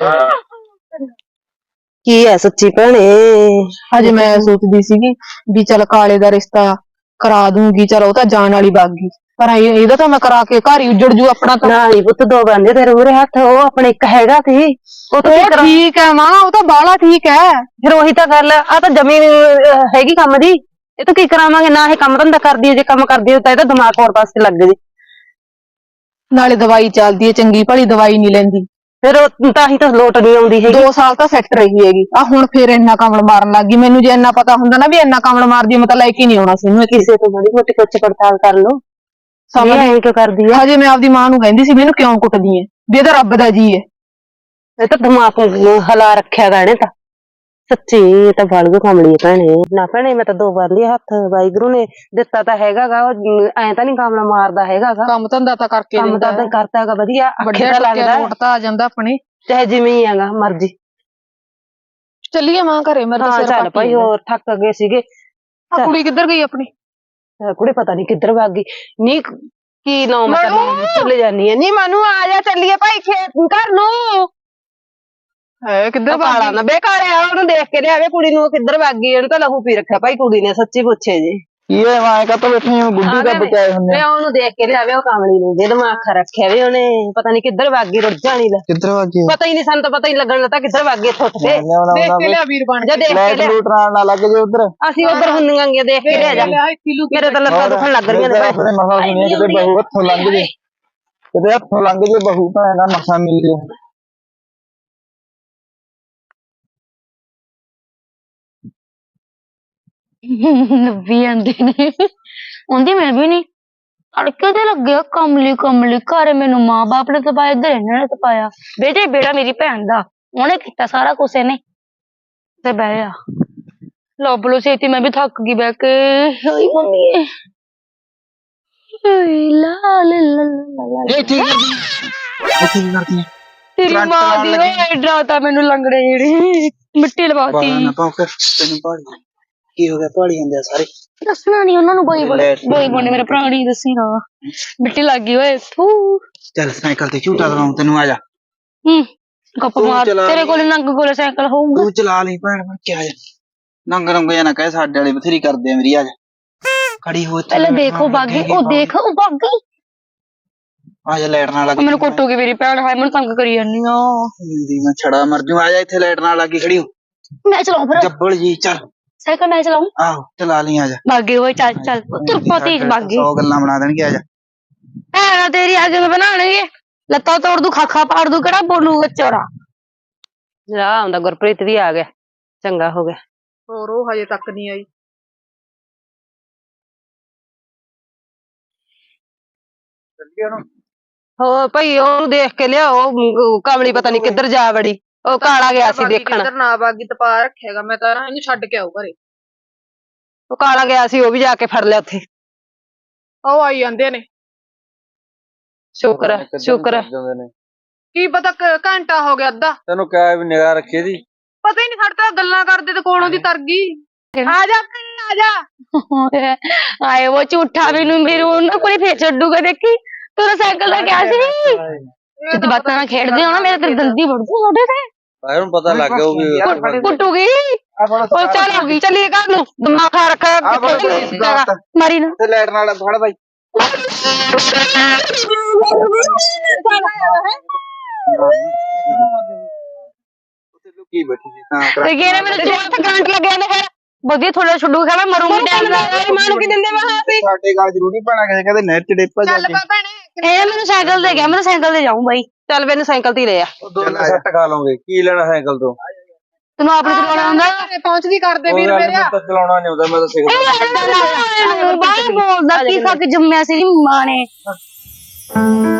[SPEAKER 8] ਕੀ ਹੈ ਸੱਚੀ ਭੈਣੇ?
[SPEAKER 4] ਹਜੇ ਮੈਂ ਸੋਚਦੀ ਸੀਗੀ ਵੀ ਚੱਲ ਕਾਲੇ ਦਾ ਰਿਸ਼ਤਾ ਕਰਾ ਦੂੰਗੀ, ਚਲ ਉਹ ਤਾਂ ਜਾਣ ਵਾਲੀ ਬਾਗੀ, ਪਰ ਇਹ- ਇਹਦਾ ਤਾਂ ਮੈਂ ਕਰਾ ਕੇ ਘਰ ਹੀ ਉੱਜੜ ਜੂ ਆਪਣਾ ਤਾਂ।
[SPEAKER 8] ਨਾ ਨੀ ਪੁੱਤ, ਦੋ ਬੰਦੇ ਤੇਰੇ ਮੂਹਰੇ ਹੱਥ, ਉਹ ਆਪਣੇ ਇੱਕ ਹੈਗਾ ਸੀ ਉਹ ਤਾਂ
[SPEAKER 4] ਉਹ ਠੀਕ ਹੈ ਮਾਂ, ਉਹ ਤਾਂ ਬਾਹਲਾ ਠੀਕ ਹੈ।
[SPEAKER 8] ਫਿਰ ਉਹੀ ਤਾਂ ਗੱਲ ਆ, ਤਾਂ ਜ਼ਮੀਨ ਹੈਗੀ ਕੰਮ ਦੀ, ਇਹ ਤਾਂ ਕੀ ਕਰਾਵਾਂਗੇ? ਨਾ ਇਹ ਕੰਮ ਧੰਦਾ ਕਰਦੀ ਹੈ, ਜੇ ਕੰਮ ਕਰਦੀ ਹੈ ਤਾਂ ਇਹਦਾ ਦਿਮਾਗ ਹੋਰ ਪਾਸੇ ਲੱਗ ਜੇ।
[SPEAKER 4] ਨਾਲੇ ਦਵਾਈ ਚੱਲਦੀ ਹੈ, ਚੰਗੀ ਭਲੀ ਦਵਾਈ ਨਹੀਂ ਲੈਂਦੀ,
[SPEAKER 8] ਫਿਰ ਉਹ ਤਾਂ ਹੀ ਤਾਂ ਲੋਟ ਨਹੀਂ ਆਉਂਦੀ ਹੈਗੀ।
[SPEAKER 4] ਦੋ ਸਾਲ ਤਾਂ ਸੈੱਟ ਰਹੀ ਹੈਗੀ, ਆ ਹੁਣ ਫੇਰ ਇੰਨਾ ਕਮਲ ਮਾਰਨ ਲੱਗ ਗਈ। ਮੈਨੂੰ ਜੇ ਇੰਨਾ ਪਤਾ ਹੁੰਦਾ ਨਾ ਵੀ ਇੰਨਾ ਕਮਲ ਮਾਰਦੀ, ਮੈਂ ਤਾਂ ਲੈ ਕੇ ਨਹੀਂ ਆਉਣਾ ਸੀ ਇਹਨੂੰ।
[SPEAKER 8] ਕਿਸੇ ਤੋਂ ਬੜੀ ਮੋਟੀ ਪੁੱਛ ਪੜਤਾਲ ਕਰ ਲਓ, ਸਮਝ ਆਈ ਕਿਉਂ ਕਰਦੀ ਆ?
[SPEAKER 4] ਹਜੇ ਮੈਂ ਆਪਦੀ ਮਾਂ ਨੂੰ ਕਹਿੰਦੀ ਸੀ ਮੈਨੂੰ ਕਿਉਂ ਕੁੱਟਦੀ ਐ, ਵੀ ਇਹ ਤਾਂ ਰੱਬ ਦਾ ਜੀ ਹੈ।
[SPEAKER 8] ਇਹ ਤਾਂ ਦਿਮਾਗ ਨੂੰ ਹਿਲਾ ਰੱਖਿਆ ਗਾ ਇਹਨੇ ਤਾਂ, ਸੱਚੀ ਇਹ ਤਾਂ ਬਲਗ ਕਮਲੀ ਹੈ ਭੈਣੇ। ਨਾ ਭੈਣੇ, ਮੈਂ ਤਾਂ ਦੋ ਵਾਰ ਲਿਆ ਹੱਥ, ਵਾਹਿਗੁਰੂ ਨੇ ਦਿੱਤਾ ਤਾਂ ਹੈਗਾ ਗਾ, ਐ ਤਾਂ ਨਹੀਂ ਕਮਲਾ ਮਾਰਦਾ ਹੈਗਾ ਗਾ,
[SPEAKER 4] ਕੰਮ ਧੰਦਾ ਤਾਂ ਕਰਕੇ
[SPEAKER 8] ਕੰਮ
[SPEAKER 4] ਦਿੰਦਾ
[SPEAKER 8] ਤਾਂ ਕਰਤਾ ਹੈਗਾ ਵਧੀਆ,
[SPEAKER 4] ਵੱਡੇ
[SPEAKER 8] ਅੱਖੇ ਤਾਂ ਲੱਗਦਾ
[SPEAKER 4] ਲੋਟ ਤਾਂ ਆ ਜਾਂਦਾ ਆਪਣੇ।
[SPEAKER 8] ਚਾਹੇ ਜਿਵੇਂ ਹੀ ਹੈਗਾ ਮਰਜੀ।
[SPEAKER 4] ਚੱਲੀਏ ਮਾਂ ਘਰੇ, ਮੈਂ ਤਾਂ
[SPEAKER 8] ਹਾਂ
[SPEAKER 4] ਸਿਰ
[SPEAKER 8] ਚੱਲ
[SPEAKER 4] ਪੱਟ
[SPEAKER 8] ਭਾਈ, ਹੋਰ ਥੱਕ ਗਏ ਸੀਗੇ।
[SPEAKER 4] ਆ ਕੁੜੀ ਕਿੱਧਰ ਗਈ ਆਪਣੀ?
[SPEAKER 8] ਕੁੜੇ ਪਤਾ ਨੀ ਕਿੱਧਰ ਭੱਗ ਗਈ ਨੀ, ਕੀ ਨਾਮ ਚਲੇ ਜਾਨੀ ਹੈ ਨੀ। ਮਨੂੰ ਆ ਜਾ, ਚੱਲੀਏ ਭਾਈ ਖੇਤ ਘਰ ਨੂੰ।
[SPEAKER 4] ਹੈ ਕਿੱਧਰ
[SPEAKER 8] ਕਾਲਾ ਨਾ ਬੇਕਾਰਿਆ, ਉਹਨੂੰ ਦੇਖ ਕੇ ਲਿਆਵੇ ਕੁੜੀ ਨੂੰ, ਕਿੱਧਰ ਭੱਗ ਗਈ? ਉਹਨੂੰ ਤਾਂ ਲਹੂ ਪੀ ਰੱਖਿਆ ਭਾਈ ਕੁੜੀ ਨੇ, ਸੱਚੀ ਪੁੱਛੇ ਜੀ।
[SPEAKER 6] ਕੀ ਹੈ ਮਾਂ ਕਾ ਤਾਂ ਬੈਠੇ ਹੋ, ਗੁੱਡੀ ਦਾ ਬਚਾਏ ਹੁੰਦੇ
[SPEAKER 8] ਵੇ ਉਹਨੂੰ ਦੇਖ ਕੇ ਲਿਆਵੇ, ਉਹ ਕਾਮਲੀ ਨੂੰ ਜੇ ਦਿਮਾਗ ਖਾ ਰੱਖਿਆ ਵੇ ਉਹਨੇ, ਪਤਾ ਨੀ ਕਿੱਧਰ ਭੱਗ ਗਈ, ਰੁੱਝ ਜਾਣੀ ਲੈ।
[SPEAKER 6] ਕਿੱਧਰ ਵਾਗੀ
[SPEAKER 8] ਪਤਾ ਹੀ ਨਹੀਂ, ਸਾਨੂੰ ਤਾਂ ਪਤਾ ਹੀ ਲੱਗਣ ਲੱਗਾ ਕਿੱਧਰ ਭੱਗ ਗਈ, ਉੱਠ ਕੇ
[SPEAKER 4] ਦੇਖ ਕੇ ਲਿਆ ਵੀਰ ਬਣ
[SPEAKER 8] ਜੇ ਦੇਖ ਕੇ
[SPEAKER 6] ਲਾਈਟ
[SPEAKER 8] ਲਿਆ।
[SPEAKER 6] ਲੂਟ ਨਾ ਲੱਗ ਜੇ ਉਧਰ।
[SPEAKER 8] ਅਸੀਂ ਉਧਰ ਹੁੰਦੀਆਂ ਗੀਆਂ, ਦੇਖ ਕੇ ਲਿਆ ਜਾ। ਮੇਰੇ ਤਾਂ ਲੱਤਾਂ ਦੁਖਣ ਲੱਗ ਰਹੀਆਂ ਨੇ।
[SPEAKER 6] ਆਪਣੇ ਮਸਾ ਸੁਣੀਏ, ਕਿਤੇ ਬਹੂ ਹੱਥੋਂ ਲੰਘ ਜੇ, ਕਿਤੇ ਹੱਥੋਂ ਲੰਘ ਜੇ ਬਹੂ ਭੈਣ ਦਾ ਮਸਾ ਮਿਲ ਜੇ।
[SPEAKER 2] ਲੱਭੀ ਜਾਂਦੇ ਨੇ, ਆਉਂਦੀ ਮੈਂ ਵੀ ਨਹੀਂ। ਅੜਕੇ ਤੇ ਲੱਗਿਆ ਕਮਲੀ ਕਮਲੀ, ਘਰ ਮੈਨੂੰ ਮਾਂ ਬਾਪ ਨੇ ਤਪਾਇਆ, ਇੱਧਰ ਇਹਨਾਂ ਨੇ ਤਪਾਇਆ। ਬੇਟੇ ਬੇੜਾ ਮੇਰੀ ਭੈਣ ਦਾ, ਉਹਨੇ ਕੀਤਾ ਸਾਰਾ ਕੁਛ ਇਹਨੇ। ਤੇ ਬਹਿ ਜਾ, ਲੱਭ ਲੋ ਛੇਤੀ, ਮੈਂ ਵੀ ਥੱਕ ਗਈ ਬਹਿ ਕੇ। ਹਾਏ ਮੰਮੀ, ਹਾਏ ਲਾ ਲਾ ਲਾ ਲਾ।
[SPEAKER 6] ਇਹ ਠੀਕ ਕਰਦੀ ਇਹ ਠੀਕ ਕਰਦੀ
[SPEAKER 2] ਤੇਰੀ
[SPEAKER 6] ਕਰੰਟ
[SPEAKER 2] ਮਾਂ
[SPEAKER 6] ਲਾਉਣ
[SPEAKER 2] ਦੀ
[SPEAKER 6] ਲੱਗੀ।
[SPEAKER 2] ਓਏ ਡਰਾਤਾ ਮੈਨੂੰ ਲੰਗੜੇ ਜਿਹੜੀ ਮਿੱਟੀ ਲਵਾਤੀ।
[SPEAKER 6] ਬਾਲਾ ਨਾ ਪਾਉ ਕੇ ਤੈਨੂੰ ਪਹਾੜੀ ਕੀ ਹੋ ਗਿਆ, ਪਹਾੜੀ ਜਾਂਦੇ ਆ ਸਾਰੇ।
[SPEAKER 2] ਦੱਸਣਾ ਨੀ ਉਹਨਾਂ ਨੂੰ, ਬੋਈ ਬੋਲੇ ਬੋਈ ਬੋਲੇ ਮੇਰੇ ਭਰਾ ਨਹੀਂ ਦੱਸੀ ਨਾ, ਮਿੱਟੀ ਲੱਗ ਗਈ ਓਏ ਥੂ।
[SPEAKER 6] ਚੱਲ ਸਾਈਕਲ ਤੇ ਝੂਟਾ ਦਵਾਉਂ ਤੈਨੂੰ, ਆ ਜਾ।
[SPEAKER 2] ਹੂੰ ਗੱਪ
[SPEAKER 6] ਤੂੰ
[SPEAKER 2] ਮਾਰ,
[SPEAKER 6] ਚਲਾ
[SPEAKER 2] ਤੇਰੇ
[SPEAKER 6] ਲਈ।
[SPEAKER 2] ਕੋਲ ਨੰਗ ਕੋਲੇ ਸਾਈਕਲ ਹੋਊਗਾ।
[SPEAKER 6] ਤੂੰ ਚਲਾ ਲਈ ਭੈਣ, ਮੈਂ ਕਿਹਾ ਜਾ ਨੰਗ ਨੰਗ ਜਾਂ ਨਾ ਕਹੇ, ਸਾਡੇ ਵਾਲੇ ਬਥੇਰੀ ਕਰਦੇ ਆ ਮੇਰੀ। ਆ ਜਾ ਖੜੀ ਹੋ ਇੱਥੇ,
[SPEAKER 2] ਪਹਿਲਾਂ ਦੇਖੋ ਬਾਗੀ, ਉਹ ਦੇਖ ਉਹ ਬਾਗੀ।
[SPEAKER 6] ਆ ਜਾ, ਲਾਈਟ ਨਾਲ ਲੱਗ
[SPEAKER 2] ਮੈਨੂੰ ਕੁੱਟੂਗੀ ਮੇਰੀ ਭੈਣ, ਹਾਏ ਮੈਨੂੰ ਤੰਗ ਕਰੀ ਜਾਂਦੀ ਆ।
[SPEAKER 6] ਦੀ ਮੈਂ ਛੜਾ ਮਰ ਜੂ। ਆ ਜਾ ਇੱਥੇ, ਲਾਈਟ ਨਾਲ ਲੱਗੀ ਖੜੀ ਹੋ।
[SPEAKER 2] ਮੈਂ ਚਲਾਉਂ ਫਿਰ
[SPEAKER 6] ਜੱਬਲ ਜੀ, ਚੱਲ
[SPEAKER 2] ਸਾਈਕਲ, ਮੈਂ ਚਲਾਉਂ।
[SPEAKER 6] ਆਹੋ ਚਲਾ ਲਈ, ਆ ਜਾ।
[SPEAKER 2] ਬਾਗੀ ਓਏ ਚੱਲ ਚੱਲ, ਤੁਰਪਾ ਤੇਜ ਬਾਗੀ।
[SPEAKER 6] ਸੌ ਗੱਲਾਂ ਬਣਾ ਦੇਣਗੇ, ਆ ਜਾ।
[SPEAKER 2] ਭੈਣਾ ਤੇਰੀ ਅੱਗੇ ਮੈਂ ਬਣਾਉਣਗੇ, ਲੱਤਾਂ ਤੋੜ ਦੂ, ਖਾਖਾ ਪਾੜ ਦੂ, ਕਿਹੜਾ ਬੋਲੂਗਾ ਚੋਰਾ।
[SPEAKER 8] ਜਾ ਆਉਂਦਾ, ਗੁਰਪ੍ਰੀਤ ਵੀ ਆ ਗਿਆ, ਚੰਗਾ ਹੋ ਗਿਆ।
[SPEAKER 4] ਹੋਰ ਉਹ ਹਜੇ ਤੱਕ ਨਹੀਂ ਆਈ।
[SPEAKER 8] ਹੋ ਭਾਈ, ਉਹਨੂੰ ਦੇਖ ਕੇ ਲਿਆਓ, ਉਹ ਕਮਲੀ ਪਤਾ ਨੀ ਕਿੱਧਰ ਜਾ ਵੜੀ, ਉਹ ਕਾਲਾ ਗਿਆ ਸੀ ਦੇਖਣ।
[SPEAKER 4] ਕਿੱਧਰ ਨਾ ਬਾਗੀ, ਤਪਾ ਰੱਖਿਆਗਾ, ਮੈਂ ਤਾਂ ਇਹਨੂੰ ਛੱਡ ਕੇ ਆਉ ਘਰੇ।
[SPEAKER 8] ਉਹ ਕਾਲਾ ਗਿਆ ਸੀ, ਉਹ ਵੀ ਜਾ ਕੇ ਫੜ ਲਿਆ ਉੱਥੇ।
[SPEAKER 4] ਉਹ ਆਈ ਜਾਂਦੇ ਨੇ,
[SPEAKER 8] ਸ਼ੁਕਰ ਹੈ ਸ਼ੁਕਰ ਹੈ।
[SPEAKER 4] ਕੀ ਪਤਾ ਕ- ਘੰਟਾ ਹੋ ਗਿਆ ਅੱਧਾ,
[SPEAKER 5] ਤੈਨੂੰ ਕਿਹਾ ਵੀ ਨਿਗਾਹ ਰੱਖੀ ਦੀ।
[SPEAKER 4] ਪਤਾ ਹੀ ਨਹੀਂ, ਸਾਡੇ ਤਾਂ ਗੱਲਾਂ ਕਰਦੇ ਤੇ ਕੋਲੋਂ ਦੀ ਤਰ ਗਈ। ਆ ਜਾ ਆ ਜਾ।
[SPEAKER 2] ਆਏ ਉਹ ਝੂਠਾ ਮੈਨੂੰ ਮੇਰੇ ਉਹਨਾਂ ਕੋਲੇ ਫੇਰ ਛੱਡੂਗਾ, ਦੇਖੀ ਤੇਰਾ ਸਾਈਕਲ ਦਾ ਕਿਹਾ ਸੀ। ਜਿੱਦ ਬਾਤਾਂ ਨਾਲ ਖੇਡਦੇ ਹੋ ਨਾ, ਮੇਰੇ ਤੇ ਦੰਦੀ ਵੜਦੀ ਮੋਢੇ ਤੇ।
[SPEAKER 5] ਆਏ ਨੂੰ ਪਤਾ ਲੱਗ ਗਿਆ ਉਹ ਵੀ
[SPEAKER 2] ਕੁੱਟੂਗੀ। ਉਹ ਚੱਲ ਹੋ ਗਈ, ਚੱਲੀਏ ਘਰ ਨੂੰ, ਦਿਮਾਗ ਖਾ ਰੱਖਿਆ ਕਿੱਥੇ ਮਾਰੀ ਨਾ।
[SPEAKER 6] ਤੇ ਲਾਈਟ ਨਾਲ ਫੜ ਬਾਈ। ਲੁਕੀ ਬੈਠੀ ਸੀ ਤਾਂ
[SPEAKER 2] ਤੇ ਕਿਹਨੇ ਮੈਨੂੰ ਤੇ ਕਰੰਟ ਲੱਗਿਆ ਨੇ, ਫਿਰ ਵਧੀਆ ਥੋੜਾ ਛੱਡੂ ਖਾਣਾ, ਮਰੂੰਗੀ ਟਾਈਮ ਨਾਲ। ਮਾਂ ਨੂੰ ਕੀ ਦਿੰਦੇ ਵਾ ਆਪੇ,
[SPEAKER 6] ਸਾਡੇ ਗੱਲ ਜ਼ਰੂਰੀ ਪੈਣਾ, ਕਿਸੇ ਕਹਿੰਦੇ ਨਹਿਰ ਚ ਡੇਪਾ ਜਾ
[SPEAKER 4] ਚੱਲ
[SPEAKER 6] ਕੇ।
[SPEAKER 4] ਪਾ ਭੈਣੇ।
[SPEAKER 2] ਇਹ ਮੈਨੂੰ ਸਾਈਕਲ ਦੇ ਗਿਆ, ਮੈਂ ਸਾਈਕਲ ਤੇ ਜਾਊਂ ਬਾਈ।
[SPEAKER 8] ਚੱਲ ਮੈਨੂੰ ਸਾਈਕਲ ਤੇ ਲੈ ਆ।
[SPEAKER 5] ਦੋਨੇ ਸੱਟ ਖਾ ਲਓਗੇ, ਕੀ ਲੈਣਾ ਸਾਈਕਲ ਤੋਂ?
[SPEAKER 2] ਤੈਨੂੰ ਆਪਣੇ ਚਲਾਉਣਾ ਹੁੰਦਾ?
[SPEAKER 4] ਘਰੇ ਪਹੁੰਚਦੀ ਕਰਦੇ ਵੀਰ
[SPEAKER 5] ਉਹ
[SPEAKER 4] ਮੇਰੇ।
[SPEAKER 5] ਮੈਨੂੰ ਤਾਂ ਚਲਾਉਣਾ ਨਹੀਂ ਆਉਂਦਾ, ਮੈਂ ਤਾਂ ਸਿੱਖ
[SPEAKER 2] ਬਾਹਰ ਬੋਲਦਾ ਕੀ ਖਾ ਕੇ ਜੰਮਿਆ ਸੀ ਮਾਂ ਨੇ।